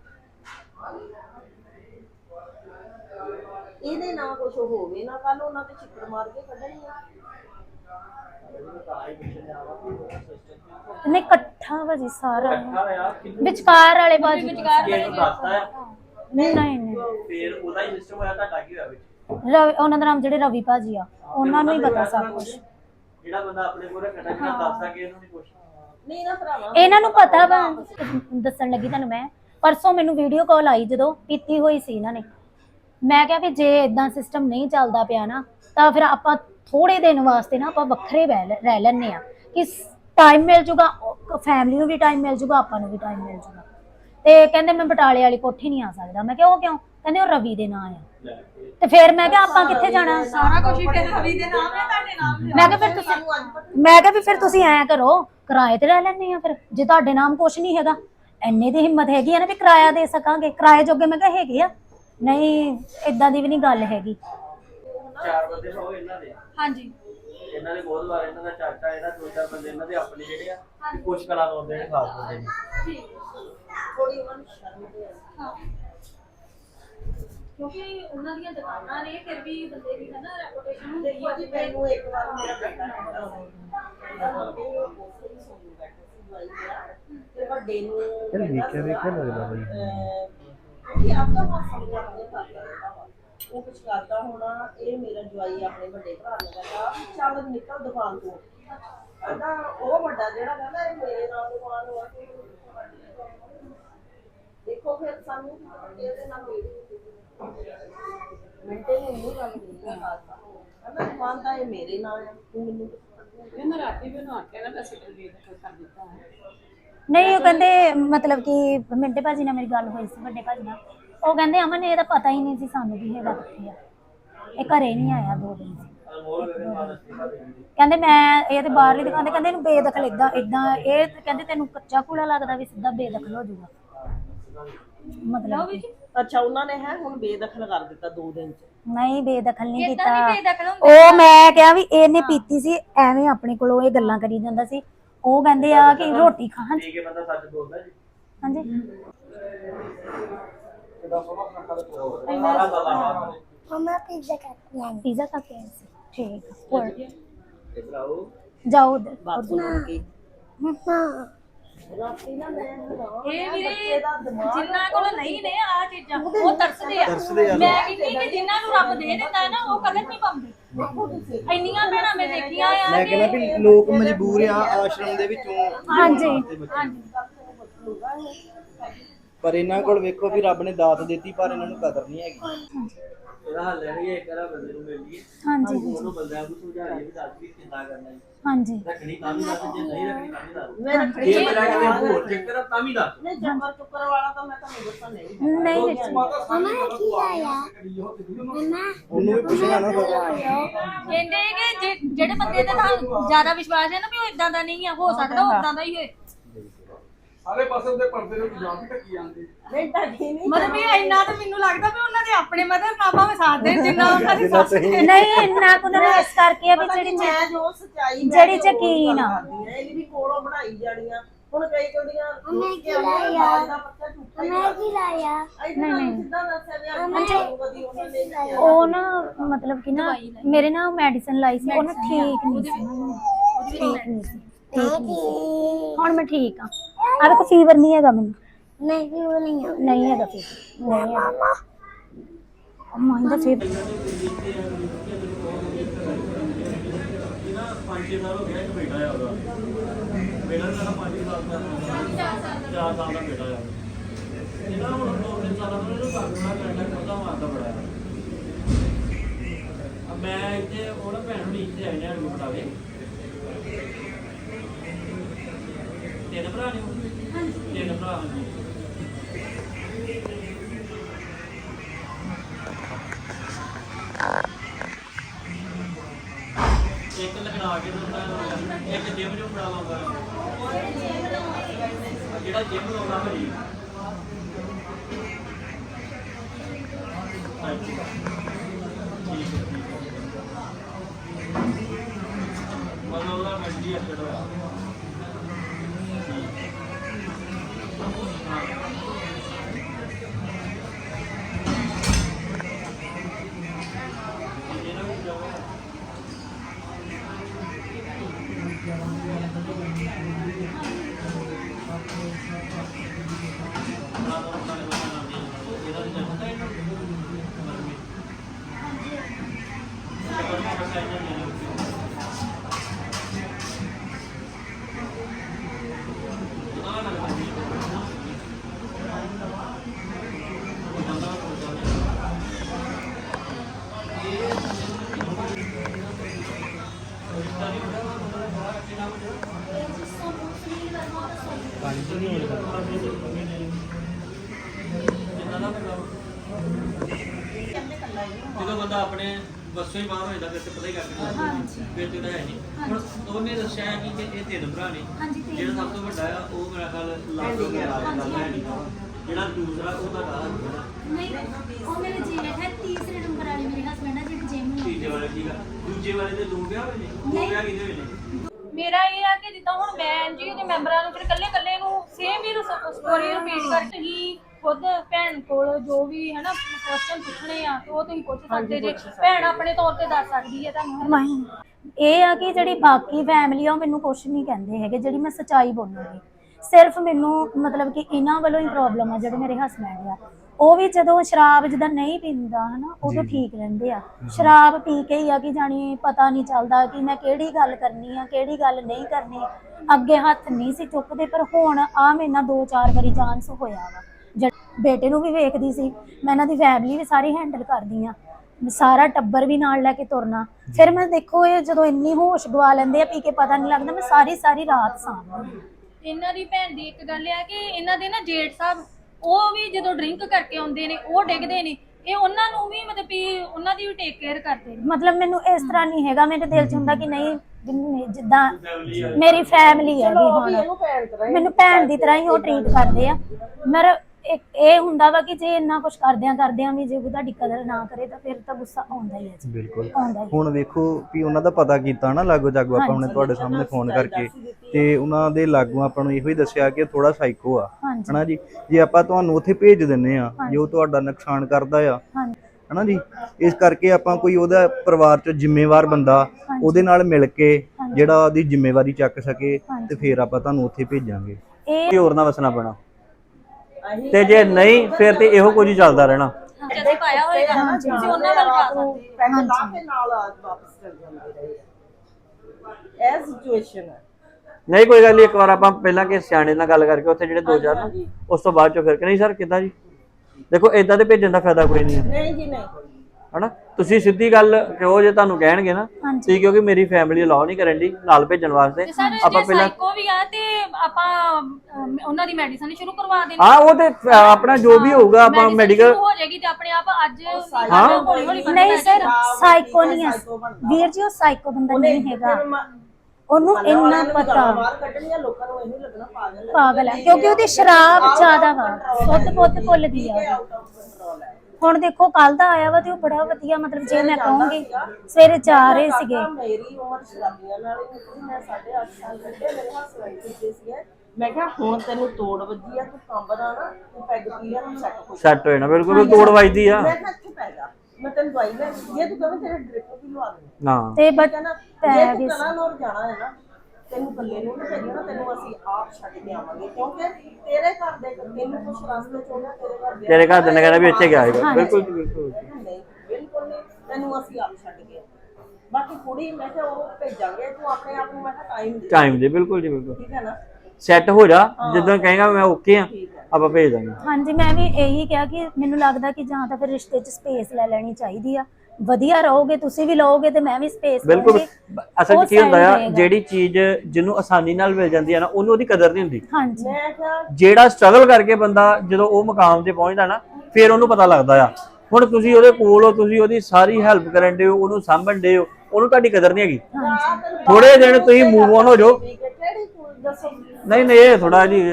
ਇਹਦੇ ਨਾਲ ਕੁਛ ਹੋਵੇ ਨਾ, ਕੱਲ ਉਹਨਾਂ ਤੇ ਛਿੱਤਰ ਮਾਰ ਕੇ ਕੱਢਣੀ ਆ।
ਨਹੀਂ ਇਕੱਠਾ ਭਾਜੀ ਸਾਰਾ
ਇਕੱਠਾ ਹੋਇਆ ਕਿੰਨੂੰ
ਵਿਚਕਾਰ ਵਾਲੇ ਭਾਜੀ
ਵਿਚਕਾਰ
ਕਿਸੇ ਨੂੰ ਦੱਸਦਾ ਹੈ
ਨਹੀਂ ਨਹੀਂ ਨਹੀਂ
ਫਿਰ ਉਹਦਾ ਹੀ ਸਿਸਟਮ ਹੋਇਆ ਤੁਹਾਡਾ ਕੀ ਹੋਇਆ ਵਿੱਚ
ਰਵੀ ਉਹਨਾਂ ਦਾ ਨਾਮ ਜਿਹੜੇ ਰਵੀ ਭਾਜੀ ਆ, ਉਹਨਾਂ ਨੂੰ ਹੀ ਪਤਾ ਸਭ ਕੁਝ।
ਜਿਹੜਾ ਬੰਦਾ ਆਪਣੇ ਕੋਲ ਰੱਖਦਾ ਜਿਹੜਾ ਦੱਸਦਾ ਕਿ ਇਹਨੂੰ ਨਹੀਂ ਕੁਛ
ਨਹੀਂ ਨਾ ਭਰਾਵਾ,
ਇਹਨਾਂ ਨੂੰ ਪਤਾ ਵਾ। ਦੱਸਣ ਲੱਗੀ ਤੁਹਾਨੂੰ ਮੈਂ, ਪਰਸੋਂ ਮੈਨੂੰ ਵੀਡੀਓ ਕਾਲ ਆਈ ਜਦੋਂ ਪੀਤੀ ਹੋਈ ਸੀ ਇਹਨਾਂ ਨੇ। ਮੈਂ ਕਿਹਾ ਵੀ ਜੇ ਇਦਾਂ ਸਿਸਟਮ ਨਹੀਂ ਚੱਲਦਾ ਪਿਆ ਨਾ ਤਾਂ ਫਿਰ ਆਪਾਂ ਥੋੜੇ ਦਿਨ ਵਾਸਤੇ ਨਾ ਆਪਾਂ ਵੱਖਰੇ ਰਹਿ ਲੈਣੇ ਆ ਕਿ ਟਾਈਮ ਮਿਲ ਜੂਗਾ, ਫੈਮਿਲੀ ਨੂੰ ਵੀ ਟਾਈਮ ਮਿਲ ਜੂਗਾ, ਆਪਾਂ ਨੂੰ ਵੀ ਟਾਈਮ ਮਿਲ ਜੂਗਾ। ਤੇ ਕਹਿੰਦੇ ਮੈਂ ਬਟਾਲੇ ਵਾਲੀ ਕੋਠੀ ਨਹੀਂ ਆ ਸਕਦਾ। ਮੈਂ ਕਿਹਾ ਉਹ ਕਿਉਂ? ਕਹਿੰਦੇ ਉਹ ਰਵੀ ਦੇ ਨਾਂ ਆ। ਤੇ ਫਿਰ ਮੈਂ ਕਿਹਾ ਆਪਾਂ ਕਿੱਥੇ ਜਾਣਾ?
ਸਾਰਾ ਕੁਝ ਹੀ ਫਿਰ ਰਵੀ ਦੇ ਨਾਮ ਹੈ, ਤੁਹਾਡੇ ਨਾਮ
ਮੈਂ ਕਿਹਾ ਫਿਰ ਤੁਸੀਂ ਮੈਂ ਕਿਹਾ ਵੀ ਫਿਰ ਤੁਸੀਂ ਐਂ ਕਰੋ, ਕਿਰਾਏ ਤੇ ਰਹਿ ਲੈਣੇ ਆ। ਫਿਰ ਜੇ ਤੁਹਾਡੇ ਨਾਮ ਕੁਛ ਨਹੀਂ ਹੈਗਾ, ਇੰਨੇ ਦੀ ਹਿੰਮਤ ਹੈਗੀ ਆ ਨਾ ਵੀ ਕਿਰਾਇਆ ਦੇ ਸਕਾਂਗੇ, ਕਿਰਾਏ ਜੋਗੇ ਮੈਂ ਕਿਹਾ ਹੈਗੇ ਆ। ਨਹੀਂ ਇਦਾਂ ਦੀ ਵੀ ਨਹੀਂ ਗੱਲ ਹੈਗੀ।
ਚਾਰ ਬੰਦੇ ਹੋ ਇਹਨਾਂ ਦੇ
ਹਾਂਜੀ
ਇਹਨਾਂ ਦੇ ਬਹੁਤ ਵਾਰ ਇਹਨਾਂ ਦਾ ਚਾਚਾ ਇਹਨਾਂ ਦੋ ਚਾਰ ਬੰਦੇ ਇਹਨਾਂ ਦੇ ਆਪਣੇ ਜਿਹੜੇ ਆ ਕੁਛ ਕਲਾ ਲਾਉਂਦੇ ਨੇ ਖਾਸ ਬੰਦੇ ਨੇ
ਠੀਕ
ਥੋੜੀ ਉਹਨਾਂ ਨੂੰ ਸ਼ਰਮ ਤੇ ਆ।
ਹਾਂ ਕਿਉਂਕਿ ਉਹਨਾਂ ਦੀਆਂ ਦੁਕਾਨਾਂ ਨੇ, ਫਿਰ ਵੀ ਬੰਦੇ ਦੀ ਹੈ ਨਾ ਰੈਪੂਟੇਸ਼ਨ ਹੁੰਦੀ
ਦੇਖੋ
ਆ।
ਜੀ ਮੈਨੂੰ ਇੱਕ ਵਾਰ ਮੇਰਾ ਬੇਟਾ ਹੈਗਾ ਉਹ ਉਸੇ ਹੀ ਸੋਨੂੰ ਬੈਠਾ ਸੀ ਦਵਾਈ ਲਿਆ ਤੇ ਵੱਡੇ ਨੂੰ
ਇਹ ਵੇਖਿਆ ਵੇਖਿਆ ਲੱਗਦਾ ਬਈ
ਕਿ ਆਪਦਾ ਹਾਸਾ ਮਜ਼ਾਕ ਨਹੀਂ ਕਰਦਾ ਰਹਿੰਦਾ ਵਾ। ਉਹ ਕੁਛ ਕਰਦਾ ਹੋਣਾ, ਇਹ ਮੇਰਾ ਜਵਾਈ ਆਪਣੇ ਵੱਡੇ ਭਰਾ ਨੂੰ ਕਹਿੰਦਾ ਚੱਲ ਨਿਕਲ ਦੁਕਾਨ ਤੋਂ। ਕਹਿੰਦਾ ਉਹ ਵੱਡਾ ਜਿਹੜਾ ਕਹਿੰਦਾ ਇਹ ਮੇਰੇ ਨਾਲ ਦੁਕਾਨ ਹੋਆ। ਦੇਖੋ ਫਿਰ ਸਾਨੂੰ ਇਹਦੇ ਨਾਲ ਹੋਈ ਮਿੰਟੇ ਨੂੰ ਨਹੀਂ ਗੱਲ ਨਹੀਂ ਕਰਦਾ। ਕਹਿੰਦਾ ਦੁਕਾਨ ਤਾਂ ਇਹ ਮੇਰੇ ਨਾਲ ਆ, ਤੂੰ ਮੈਨੂੰ
ਇਹਨਾਂ ਰਾਤੀ ਵੀ ਉਹਨੂੰ ਆਖਿਆ ਨਾ ਵੈਸੇ ਕਰੀ ਕਰ ਦਿੱਤਾ ਹੈ।
ਨਹੀਂ ਉਹ ਕਹਿੰਦੇ ਮਤਲਬ ਕਿ ਮਿੰਟੇ ਭਾਜੀ ਨਾਲ ਮੇਰੀ ਗੱਲ ਹੋਈ ਸੀ, ਵੱਡੇ ਭਾਜੀ ਨਾਲ। ਉਹ ਕਹਿੰਦੇ ਅਮਨ ਇਹ ਤਾਂ ਪਤਾ ਹੀ ਨਹੀਂ ਸੀ ਸਾਨੂੰ ਵੀ ਹੈਗਾ ਕਿੱਥੇ ਆ, ਇਹ ਘਰੇ ਨਹੀਂ ਆਇਆ ਦੋ ਦਿਨ ਕਹਿੰਦੇ ਮੈਂ ਇਹ ਤੇ ਬਾਹਰਲੀ ਦੁਕਾਨ ਤੇ ਕਹਿੰਦੇ ਇਹਨੂੰ ਬੇਦਖਲ ਏਦਾਂ ਏਦਾਂ ਇਹ ਕਹਿੰਦੇ ਤੈਨੂੰ ਕੱਚਾ ਕੂੜਾ ਲੱਗਦਾ ਵੀ ਸਿੱਧਾ ਬੇਦਖਲ ਹੋ ਜਾਊਗਾ। ਮਤਲਬ ਕਿ
ਅੱਛਾ ਉਹਨਾਂ ਨੇ ਹੈ ਹੁਣ ਬੇਦਖਲ ਕਰ ਦਿੱਤਾ ਦੋ ਦਿਨ ਚ।
ਨਹੀਂ ਬੇਦਖਲ ਨਹੀਂ
ਏਦਾਂ
ਕੀਤਾ।
ਨਹੀਂ ਬੇਦਖਲ ਹੁੰਦਾ।
ਉਹ ਮੈਂ ਕਿਹਾ ਵੀ ਇਹਨੇ ਪੀਤੀ ਸੀ ਐਵੇਂ ਆਪਣੇ ਕੋਲੋਂ ਇਹ ਗੱਲਾਂ ਕਰੀ ਜਾਂਦਾ ਸੀ। ਉਹ ਕਹਿੰਦੇ ਆ ਕਿ ਰੋਟੀ ਖਾਣ
ਠੀਕ ਹੈ ਬੰਦਾ ਸੱਚ ਬੋਲਦਾ ਜੀ
ਹਾਂਜੀ
मम्मा पिज्जा खाती है।
ਪੀਜ਼ਾ ਖਾ ਕੇ ਆਏ ਸੀ। ਠੀਕ ਆ, ਹੋਰ
ਇਧਰ ਆਓ
ਜਾਓ ਉਧਰ।
ਬਾਥਰੂਮ ਕੀ
मम्मा
ਰਾਤੀ ਨਾ ਮੈਂ ਹੈਰਾਨ
ਇਹ
ਆ,
ਵੀਰੇ
ਬੱਚੇ ਦਾ ਦਿਮਾਗ
ਜਿੰਨਾ ਕੋਲ ਨਹੀਂ ਨੇ ਆ ਚੀਜ਼ਾਂ ਉਹ ਤਰਸਦੇ ਆ।
ਤਰਸਦੇ ਆ
ਮੈਂ ਕਹਿੰਦੀ ਕਿ ਜਿੰਨਾਂ ਨੂੰ ਰੱਬ ਦੇ ਦਿੰਦਾ ਨਾ ਉਹ ਕਦਰ ਨਹੀਂ ਪਾਉਂਦੇ। ਇੰਨੀਆਂ ਭੈਣਾਂ ਮੈਂ ਦੇਖੀਆਂ ਆ
ਮੈਂ ਕਹਿੰਦਾ ਵੀ ਲੋਕ ਮਜਬੂਰ ਆ ਆਸ਼ਰਮ ਦੇ ਵਿੱਚੋਂ
ਹਾਂਜੀ
ਹਾਂਜੀ
ਪਰ ਇਹਨਾਂ ਕੋਲ ਵੇਖੋ ਵੀ ਰੱਬ ਨੇ ਦਾਤ ਦਿੱਤੀ ਪਰ ਇਹਨਾਂ ਨੂੰ ਕਦਰ ਨਹੀਂ ਹੈਗੀ।
ਇਹਦਾ ਹੱਲ ਹੈ ਇਹ ਕਰਾ ਬੰਦੇ ਨੂੰ ਮਿਲ ਲਈਏ
ਹਾਂਜੀ
ਉਹਨੂੰ ਬੰਦਿਆਂ ਨੂੰ ਸਮਝਾਈਏ ਵੀ ਦੱਸ ਵੀ ਕਿੰਨਾ ਕਰਨਾ ਹੈ।
ਹਾਂਜੀ
ਰੱਖਣੀ ਤਾਂ ਵੀ ਦੱਸ, ਜੇ ਨਹੀਂ ਰੱਖਣੀ ਤਾਂ ਵੀ ਦੱਸ।
ਮੈਂ ਰੱਖੜੀ
ਜੇ ਮੇਰਾ ਕਹਿੰਦੇ ਹੋਰ ਚੱਕਰ ਤਾਂ ਵੀ ਦੱਸ।
ਨਹੀਂ ਜੰਮਰ ਚੁੱਕਰ ਵਾਲਾ ਤਾਂ ਮੈਂ ਤੁਹਾਨੂੰ ਦੱਸਾਂ ਨਹੀਂ।
ਨਹੀਂ ਵੀਰ ਜੀ
मम्मा की आया मम्मा
ਉਹਨੂੰ ਵੀ ਪੁੱਛਣਾ ਨਾ ਪਤਾ
ਕਹਿੰਦੇ ਕਿ ਜੇ- ਜਿਹੜੇ ਬੰਦੇ ਤੇ ਤੁਹਾਨੂੰ ਜ਼ਿਆਦਾ ਵਿਸ਼ਵਾਸ ਹੈ ਨਾ ਵੀ ਉਹ ਇਦਾਂ ਦਾ ਨਹੀਂ ਆ, ਹੋ ਸਕਦਾ ਉਹ ਉਦਾਂ ਦਾ ਹੀ ਹੋਏ।
ਸਾਰੇ ਪਾਸੇ ਦੇ ਪਰਦੇ ਨੂੰ ਜਾਂ ਵੀ ਢੱਕੀ ਜਾਂਦੇ।
ਨਹੀਂ ਢੱਕੀ ਨਹੀਂ
ਮਤਲਬ ਇਹ ਇੰਨਾ ਤਾਂ ਮੈਨੂੰ ਲੱਗਦਾ ਵੀ ਉਹਨਾਂ ਦੇ ਆਪਣੇ ਮਦਰ ਨਾ ਭਾਵੇਂ ਸਾਥ ਦੇਣ ਜਿੰਨਾ ਉਹਨਾਂ ਦੀ ਸੱਸ ਦੇ।
ਨਹੀਂ ਇੰਨਾ ਕੁ ਨਾ ਇਸ ਕਰਕੇ ਆ ਵੀ
ਪਤਾ
ਜਿਹੜੀ
ਨੀ ਮੈਂ ਜੋ ਸਚਾਈ
ਜਿਹੜੀ ਯਕੀਨ ਆ।
ਇਹ ਵੀ ਕੋਲੋਂ ਬਣਾਈ ਜਾਣੀਆਂ ਹੁਣ ਕਈ ਕੁੜੀਆਂ
ਮੈਂ ਕੀ
ਆਉਂਦੀਆਂ ਨੇ,
ਲਾਇਆ?
ਬਾਜ ਦਾ ਪੱਤਾ ਝੂਠਾ ਹੀ
ਮੈਂ ਕੀ ਲਾਇਆ
ਨਹੀਂ ਨਹੀਂ ਸਿੱਧਾ ਦੱਸਿਆ ਵੀ ਅੱਜ ਕਦੀ ਉਹਨਾਂ ਨੇ ਕਿਹਾ।
ਉਹ ਨਾ ਮਤਲਬ ਕਿ ਨਾ ਮੇਰੇ ਨਾ ਮੈਡੀਸਨ ਲਾਈ ਸੀ ਉਹ ਨਾ ਠੀਕ ਨਹੀਂ ਸੀ ਠੀਕ ਨਹੀਂ ਸੀ ਠੀਕ ਨਹੀਂ ਸੀ। ਹੁਣ ਮੈਂ ਠੀਕ ਆ ਆ ਦੇਖੋ ਫੀਵਰ ਨਹੀਂ ਹੈਗਾ ਮੈਨੂੰ
ਨਹੀਂ ਵੀ ਉਹ ਨਹੀਂ ਆ
ਨਹੀਂ ਹੈਗਾ ਫੀਵਰ ਨਹੀਂ ਹੈਗਾ ਅਮਾ ਇਹਦਾ ਫੀਵਰ
ਪੰਜ ਛੇ ਸਾਲ ਹੋ ਗਿਆ ਇੱਕ ਬੇਟਾ ਆ ਉਹਦਾ ਬੇਟਾ ਮੇਰਾ ਪੰਜ ਸਾਲ ਦਾ ਚਾਰ ਸਾਲ ਦਾ ਬੇਟਾ ਆ ਇਹਨਾਂ ਹੁਣ ਦੋ ਤਿੰਨ ਸਾਲਾਂ ਤੋਂ ਇਹਨੂੰ ਬਾਗਣਾ ਕਰਨਾ ਖੋਦਾ ਮਾਰਦਾ ਬੜਾ ਆ ਅਬ ਮੈਂ ਇੱਥੇ ਉਹ ਨਾ ਭੈਣ ਹੁਣੀ ਇੱਥੇ ਆਏ ਨੇ ਹਣ ਬਟਾਵੇ ਤਿੰਨ ਭਰਾ ਨੇ ਹਾਂਜੀ ਤਿੰਨ ਭਰਾ ਹਾਂਜੀ ਇੱਕ ਲਗਣਾ ਕੇ ਦਿੰਦਾ ਇੱਕ ਜਿਮ ਨੂੰ ਬਣਾ ਲਾਉਂਦਾ ਜਿਹੜਾ ਜਿਮ ਲਾਉਂਦਾ ਭਾਜੀ ਹਾਂਜੀ ਠੀਕ ਹੈ ਠੀਕ ਹੈ ਮਤਲਬ ਉਹਦਾ ਮਰਜ਼ੀ ਹੈ ਚਲੋ ਜਦੋਂ ਬੰਦਾ ਆਪਣੇ ਬੱਸੋਂ ਹੀ ਬਾਹਰ ਹੋ ਜਾਂਦਾ ਫਿਰ ਤੇ ਪਤਾ ਹੀ ਕਰਦਾ ਫਿਰ ਤੇ ਉਹਦਾ ਹੈ ਨਹੀਂ ਹੁਣ ਉਹਨੇ ਦੱਸਿਆ ਕਿ ਇਹ ਤਿੰਨ ਭਰਾ ਨੇ ਜਿਹੜਾ ਸਭ ਤੋਂ ਵੱਡਾ ਆ ਉਹ ਮੇਰਾ ਖਿਆਲ ਲੱਖ ਹੋ ਗਿਆ ਗੱਲ ਹੈ ਨਹੀਂ ਜਿਹੜਾ ਦੂਸਰਾ ਉਹ ਤਾਂ ਕਹਾ
ਨਹੀਂ ਉਹ ਮੇਰੇ ਜੀ ਹੈ ਤੀਸਰੇ ਨੰਬਰ ਵਾਲੇ ਮੇਰੇ ਹਸਬੰਡ ਆ ਜਿਹੜੇ ਜਿਮ ਨੂੰ
ਤੀਜੇ ਵਾਲੇ ਠੀਕ ਆ ਦੂਜੇ ਵਾਲੇ ਦੇ ਦੋ ਵਿਆਹ ਹੋਏ ਨੇ ਦੋ ਵਿਆਹ ਕਿਹਦੇ ਹੋਏ ਨੇ
ਮੇਰਾ ਇਹ ਆ ਕਿ ਜਿੱਦਾਂ ਹੁਣ ਮੈਂ ਜੀ ਦੇ ਮੈਂਬਰਾਂ ਨੂੰ ਫਿਰ ਇਕੱਲੇ ਇਕੱਲੇ ਨੂੰ ਸੇਮ ਹੀ ਸਟੋਰੀ ਰਿਪੀਟ ਕਰਕੇ ਹੀ ਖੁਦ ਭੈਣ ਕੋਲ ਜੋ ਵੀ ਹੈ ਨਾ ਕੁਐਸਚਨ ਪੁੱਛਣੇ ਆ ਤੇ ਉਹ ਤੁਸੀਂ ਪੁੱਛ ਸਕਦੇ ਜੇ ਭੈਣ ਆਪਣੇ ਤੌਰ ਤੇ ਦੱਸ ਸਕਦੀ ਹੈ ਤੁਹਾਨੂੰ
ਇਹ ਆ ਕਿ ਜਿਹੜੀ ਬਾਕੀ ਫੈਮਿਲੀ ਆ ਉਹ ਮੈਨੂੰ ਕੁਝ ਨਹੀਂ ਕਹਿੰਦੇ ਹੈਗੇ ਜਿਹੜੀ ਮੈਂ ਸੱਚਾਈ ਬੋਲੂੰਗੀ ਸਿਰਫ ਮੈਨੂੰ ਮਤਲਬ ਕਿ ਇਹਨਾਂ ਵੱਲੋਂ ਹੀ ਪ੍ਰੋਬਲਮ ਆ ਜਿਹੜੇ ਮੇਰੇ ਹਸਬੈਂਡ ਆ ਉਹ ਵੀ ਜਦੋਂ ਸ਼ਰਾਬ ਜਿੱਦਾਂ ਨਹੀਂ ਪੀਂਦਾ ਹਨਾ ਉਦੋਂ ਠੀਕ ਰਹਿੰਦੇ ਆ ਸ਼ਰਾਬ ਪੀ ਕੇ ਹੀ ਆ ਕਿ ਜਾਣੀ ਪਤਾ ਨਹੀਂ ਚੱਲਦਾ ਕਿ ਮੈਂ ਕਿਹੜੀ ਗੱਲ ਕਰਨੀ ਆ ਕਿਹੜੀ ਗੱਲ ਨਹੀਂ ਕਰਨੀ ਅੱਗੇ ਹੱਥ ਨਹੀਂ ਸੀ ਚੁੱਕਦੇ ਪਰ ਹੁਣ ਆ ਮੇਰੇ ਨਾਲ ਦੋ ਚਾਰ ਵਾਰੀ ਚਾਂਸ ਹੋਇਆ ਵਾ ਬੇਟੇ ਨੂੰ ਵੀ ਵੇਖਦੀ ਸੀ ਮੈਂ ਇਹਨਾਂ ਦੀ ਫੈਮਿਲੀ ਵੀ ਸਾਰੀ ਹੈਂਡਲ ਕਰਦੀ ਆ ਸਾਰਾ ਟੱਬਰ ਵੀ ਨਾਲ ਲੈ ਕੇ ਤੁਰਨਾ ਫਿਰ ਮੈਂ ਦੇਖੋ ਇਹ ਜਦੋਂ ਇੰਨੀ ਹੋਸ਼ ਗਵਾ ਲੈਂਦੇ ਆ ਪੀ ਕੇ ਪਤਾ ਨਹੀਂ ਲੱਗਦਾ ਮੈਂ ਸਾਰੀ ਸਾਰੀ ਰਾਤ ਸਾਂਭਦੀ
ਇਹਨਾਂ ਦੀ ਭੈਣ ਦੀ ਇੱਕ ਗੱਲ ਆ ਕਿ ਇਹਨਾਂ ਦੇ ਨਾ ਜੇਠ ਸਾਹਿਬ ਉਹ ਵੀ ਜਦੋਂ ਡਰਿੰਕ ਕਰਕੇ ਆਉਂਦੇ ਨੇ ਉਹ ਡਿੱਗਦੇ ਨੇ ਇਹ ਉਹਨਾਂ ਨੂੰ ਵੀ ਮਤਲਬ ਵੀ ਉਹਨਾਂ ਦੀ ਵੀ ਟੇਕ ਕੇਅਰ ਕਰਦੇ ਨੇ
ਮਤਲਬ ਮੈਨੂੰ ਇਸ ਤਰ੍ਹਾਂ ਨਹੀਂ ਹੈਗਾ ਮੇਰੇ ਦਿਲ 'ਚ ਹੁੰਦਾ ਕਿ ਨਹੀਂ ਜਿੱਦਾਂ ਮੇਰੀ ਫੈਮਿਲੀ ਹੈ ਵੀ ਹੁਣ ਮੈਨੂੰ ਭੈਣ ਦੀ ਤਰ੍ਹਾਂ ਹੀ ਉਹ ਟਰੀਟ ਕਰਦੇ ਆ ਮੇਰਾ ਇੱਕ ਇਹ ਹੁੰਦਾ ਵਾ ਕਿ ਜੇ ਇੰਨਾ ਕੁਝ ਕਰਦਿਆਂ ਕਰਦਿਆਂ ਵੀ ਜੇ ਉਹ ਤੁਹਾਡੀ ਕਦਰ ਨਾ ਕਰੇ ਤਾਂ ਫਿਰ ਤਾਂ ਗੁੱਸਾ ਆਉਂਦਾ ਹੀ ਹੈ ਜੀ
ਬਿਲਕੁਲ
ਆਉਂਦਾ ਹੀ
ਹੁਣ ਵੇਖੋ ਵੀ ਉਹਨਾਂ ਦਾ ਪਤਾ ਕੀਤਾ ਨਾ ਲਾਗੋ ਜਾਗੋ ਆਪਾਂ ਉਹਨੇ ਤੁਹਾਡੇ ਸਾਹਮਣੇ ਫੋਨ ਕਰਕੇ ਤੇ ਉਹਨਾਂ ਦੇ ਲਾਗੂ ਆਪਾਂ ਨੂੰ ਇਹੋ ਹੀ ਦੱਸਿਆ ਕਿ ਥੋੜਾ ਸਾਈਕੋ ਆ ਹਨਾ ਜੀ ਜੇ ਆਪਾਂ ਤੁਹਾਨੂੰ ਉੱਥੇ ਭੇਜ ਦਿੰਨੇ ਆ ਜੇ ਉਹ ਤੁਹਾਡਾ ਨੁਕਸਾਨ ਕਰਦਾ ਆ ਹਨਾ ਜੀ ਇਸ ਕਰਕੇ ਆਪਾਂ ਕੋਈ ਉਹਦਾ ਪਰਿਵਾਰ ਚ ਜ਼ਿੰਮੇਵਾਰ ਬੰਦਾ ਉਹਦੇ ਨਾਲ ਮਿਲ ਕੇ ਜਿਹੜਾ ਉਹਦੀ ਜ਼ਿੰਮੇਵਾਰੀ ਚੱਕ ਸਕੇ ਤੇ ਫਿਰ ਆਪਾਂ ਤੁਹਾਨੂੰ ਉੱਥੇ ਭੇਜਾਂਗੇ
ਇਹ
ਹੋਰ ਨਾ ਵਸਣਾ ਪੈਣਾ ਤੇ ਜੇ ਨਹੀਂ ਫਿਰ ਤੇ ਇਹੋ ਕੁਝ ਹੀ ਚੱਲਦਾ ਰਹਿਣਾ
ਜਦੋਂ ਪਾਇਆ ਹੋਏਗਾ ਤੁਸੀਂ ਉਹਨਾਂ ਵੱਲ ਜਾ ਸਕਦੇ
ਪੈਸੇ ਲਾ ਕੇ ਨਾਲ ਆ ਵਾਪਸ ਚੱਲ ਜਾਂਦੇ ਰਹੇ ਆ ਇਹ ਸਿਚੁਏਸ਼ਨ ਹੈ
ਨਹੀਂ ਕੋਈ ਗੱਲ ਨਹੀਂ ਇੱਕ ਵਾਰ ਆਪਾਂ ਪਹਿਲਾਂ ਕਿ ਸਿਆਣੇ ਨਾਲ ਗੱਲ ਕਰਕੇ ਉੱਥੇ ਜਿਹੜੇ ਦੋ ਚਾਰ ਨਾ ਉਸ ਤੋਂ ਬਾਅਦ ਚੋਂ ਫਿਰ ਕਿ ਨਹੀਂ ਸਰ ਕਿੱਦਾਂ ਜੀ ਦੇਖੋ ਇਦਾਂ ਤੇ ਭੇਜਣ ਦਾ ਫਾਇਦਾ ਕੋਈ ਨਹੀਂ ਹੈ
ਨਹੀਂ ਜੀ ਨਹੀਂ
ਹਨਾ ਤੁਸੀਂ ਸਿੱਧੀ ਗੱਲ ਕਿਉਂ ਜੇ ਤੁਹਾਨੂੰ ਕਹਿਣਗੇ ਨਾ ਠੀਕ ਕਿਉਂਕਿ ਮੇਰੀ ਫੈਮਿਲੀ ਅਲਾਉ ਨਹੀਂ ਕਰਨ ਦੀ ਨਾਲ ਭੇਜਣ ਵਾਸਤੇ
ਆਪਾਂ ਪਹਿਲਾਂ ਸਾਈਕੋ ਵੀ ਆ ਤੇ ਆਪਾਂ ਉਹਨਾਂ ਦੀ ਮੈਡੀਸਨ ਸ਼ੁਰੂ ਕਰਵਾ ਦੇਣੀ
ਹਾਂ ਉਹ ਤੇ ਆਪਣਾ ਜੋ ਵੀ ਹੋਊਗਾ ਆਪਾਂ ਮੈਡੀਕਲ
ਹੋ ਜਾਏਗੀ ਤੇ ਆਪਣੇ ਆਪ ਅੱਜ ਹੌਲੀ ਹੌਲੀ
ਨਹੀਂ ਸਰ ਸਾਈਕੋ ਨਹੀਂ ਹੈ ਵੀਰ ਜੀ ਉਹ ਸਾਈਕੋ ਬੰਦਾ ਨਹੀਂ ਹੈਗਾ ਉਹਨੂੰ ਇੰਨਾ ਪਤਾ
ਮਾਰ ਕੱਢਣੀਆਂ ਲੋਕਾਂ ਨੂੰ ਇਹੀ ਲੱਗਣਾ ਪਾਗਲ
ਪਾਗਲ ਹੈ ਕਿਉਂਕਿ ਉਹਦੀ ਸ਼ਰਾਬ ਜ਼ਿਆਦਾ ਵਾ ਸੁੱਧ ਪੁੱਤ ਭੁੱਲਦੀ ਆ ਹੁਣ ਦੇਖੋ ਕੱਲ ਦਾ ਆਇਆ ਵਾ ਤੇ ਉਹ ਬੜਾ ਵਧੀਆ ਮਤਲਬ ਜੇ ਮੈਂ ਕਹੂੰਗੀ ਸਵੇਰੇ ਜਾ ਰਹੇ ਸੀਗੇ
ਮੇਰੀ ਉਮਰ ਸ਼ਰਾਬੀਆਂ ਨਾਲ ਹੀ ਨਿਕਲੀ ਮੈਂ ਸਾਢੇ ਅੱਠ ਸਾਲ ਕੱਢੇ ਮੇਰੇ ਹਸਬੰਡ ਕੀਤੇ ਸੀਗੇ ਮੈਂ ਕਿਹਾ ਹੁਣ ਤੈਨੂੰ ਤੋੜ ਵੱਜੀ ਆ, ਤੂੰ ਕੰਬਦਾ ਨਾ, ਤੂੰ ਪੈਗ ਪੀ ਆ, ਤੂੰ ਸੈੱਟ ਹੋ ਜਾ।
ਸੈੱਟ ਹੋ ਜਾਣਾ ਬਿਲਕੁਲ, ਤੋੜ ਵੱਜਦੀ ਆ।
ਮੈਂ ਕਿਹਾ ਇੱਥੇ ਪੈ ਜਾ, ਮੈਂ ਤੈਨੂੰ ਦਵਾਈ ਲੈ ਜੇ ਤੂੰ ਕਹਵੇਂ ਤੇਰੇ ਡ੍ਰਿਪ ਵੀ ਲਵਾ ਦੇ
ਨਾ
ਤੇ ਬਟ
ਕਹਿੰਦਾ ਜੇ ਤੂੰ ਕਲਾਂ ਲੋਰ ਜਾਣਾ ਹੈ ਨਾ, ਤੈਨੂੰ ਇਕੱਲੇ ਨੂੰ ਨਹੀਂ ਭੇਜਣਾ, ਤੈਨੂੰ ਅਸੀਂ ਆਪ ਛੱਡ ਕੇ ਆਵਾਂਗੇ, ਕਿਉਂਕਿ ਤੇਰੇ ਘਰ ਦੇ ਤੈਨੂੰ ਕੁਛ ਰਸਤੇ ਚ ਹੋਣਾ, ਤੇਰੇ ਘਰ ਦੇ
ਤੇਰੇ ਘਰ ਦੇ ਨੇ ਕਹਿਣਾ ਵੀ ਇੱਥੇ ਗਿਆ ਹੈਗਾ। ਬਿਲਕੁਲ ਜੀ ਬਿਲਕੁਲ।
ਨਹੀਂ ਬਿਲਕੁਲ ਨਹੀਂ, ਤੈਨੂੰ ਅਸੀਂ ਆਪ ਛੱਡ ਕੇ ਬਾਕੀ ਕੁੜੀ ਮੈਂ ਕਿਹਾ ਉਹ ਭੇਜਾਂਗੇ, ਤੂੰ ਆਪਣੇ ਆਪ ਨੂੰ ਮੈਂ ਕਿਹਾ ਟਾਈਮ ਦੇ
ਟਾਈਮ ਦੇ ਬਿਲਕੁਲ ਜੀ ਬਿਲਕੁਲ।
ਠੀਕ ਹੈ ਨਾ,
ਸੈੱਟ ਹੋ ਜਾ, ਜਦੋਂ ਕਹੇਗਾ ਮੈਂ ਓਕੇ ਆ ਆਪਾਂ ਭੇਜ ਦਾਂਗੇ।
ਹਾਂਜੀ ਮੈਂ ਵੀ ਇਹੀ ਕਿਹਾ ਕਿ ਮੈਨੂੰ ਲੱਗਦਾ ਕਿ ਜਾਂ ਤਾਂ ਫਿਰ ਰਿਸ਼ਤੇ 'ਚ ਸਪੇਸ ਲੈ ਲੈਣੀ ਚਾਹੀਦੀ ਆ, ਵਧੀਆ ਰਹੋਗੇ ਤੁਸੀਂ ਵੀ ਲਓਗੇ ਤੇ ਮੈਂ ਵੀ ਸਪੇਸ
ਬਿਲਕੁਲ। ਅਸਲ 'ਚ ਕੀ ਹੁੰਦਾ ਆ, ਜਿਹੜੀ ਚੀਜ਼ ਜਿਹਨੂੰ ਆਸਾਨੀ ਨਾਲ ਮਿਲ ਜਾਂਦੀ ਆ ਨਾ, ਉਹਨੂੰ ਉਹਦੀ ਕਦਰ ਨਹੀਂ ਹੁੰਦੀ।
ਹਾਂਜੀ
ਮੈਂ ਕਿਹਾ
ਜਿਹੜਾ ਸਟਰਗਲ ਕਰਕੇ ਬੰਦਾ ਜਦੋਂ ਉਹ ਮੁਕਾਮ ਤੇ ਪਹੁੰਚਦਾ ਨਾ, ਫਿਰ ਉਹਨੂੰ ਪਤਾ ਲੱਗਦਾ ਆ। ਹੁਣ ਤੁਸੀਂ ਉਹਦੇ ਕੋਲ ਹੋ, ਤੁਸੀਂ ਉਹਦੀ ਸਾਰੀ ਹੈਲਪ ਕਰਨ ਦੇ ਹੋ, ਉਹਨੂੰ ਸਾਂਭਣ ਦੇ ਹੋ, ਉਹਨੂੰ ਤੁਹਾਡੀ ਕਦਰ ਨਹੀਂ ਹੈਗੀ। ਥੋੜੇ ਦਿਨ ਤੁਸੀਂ ਮੂਵ ਔਨ ਹੋ ਜਾਓ।
ਕਿਹੜੀ ਕੁੜੀ ਦੱਸੋ?
ਨਹੀਂ ਨਹੀਂ ਇਹ ਥੋੜਾ ਜੀ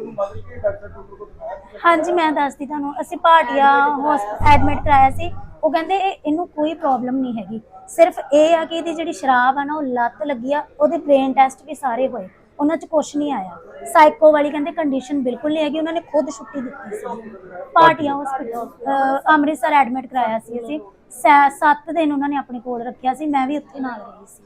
ਹਾਂਜੀ ਮੈਂ ਦੱਸਦੀ ਤੁਹਾਨੂੰ, ਅਸੀਂ ਭਾਟੀਆ ਹਸਪਤਾਲ ਐਡਮਿਟ ਕਰਾਇਆ ਸੀ। ਉਹ ਕਹਿੰਦੇ ਇਹ ਇਹਨੂੰ ਕੋਈ ਪ੍ਰੋਬਲਮ ਨਹੀਂ ਹੈਗੀ, ਸਿਰਫ ਇਹ ਆ ਕਿ ਇਹਦੀ ਜਿਹੜੀ ਸ਼ਰਾਬ ਆ ਨਾ ਉਹ ਲੱਤ ਲੱਗੀ ਆ। ਉਹਦੇ ਬ੍ਰੇਨ ਟੈਸਟ ਵੀ ਸਾਰੇ ਹੋਏ, ਉਹਨਾਂ 'ਚ ਕੁਝ ਨਹੀਂ ਆਇਆ। ਸਾਈਕੋ ਵਾਲੀ ਕਹਿੰਦੇ ਕੰਡੀਸ਼ਨ ਬਿਲਕੁਲ ਨਹੀਂ ਹੈਗੀ, ਉਹਨਾਂ ਨੇ ਖੁਦ ਛੁੱਟੀ ਦਿੱਤੀ ਸੀ। ਭਾਟੀਆ ਹਸਪਤਾਲ ਅੰਮ੍ਰਿਤਸਰ ਐਡਮਿਟ ਕਰਾਇਆ ਸੀ ਅਸੀਂ, ਸੱਤ ਦਿਨ ਉਹਨਾਂ ਨੇ ਆਪਣੇ ਕੋਲ ਰੱਖਿਆ ਸੀ, ਮੈਂ ਵੀ ਉੱਥੇ ਨਾਲ ਰਹੀ ਸੀ।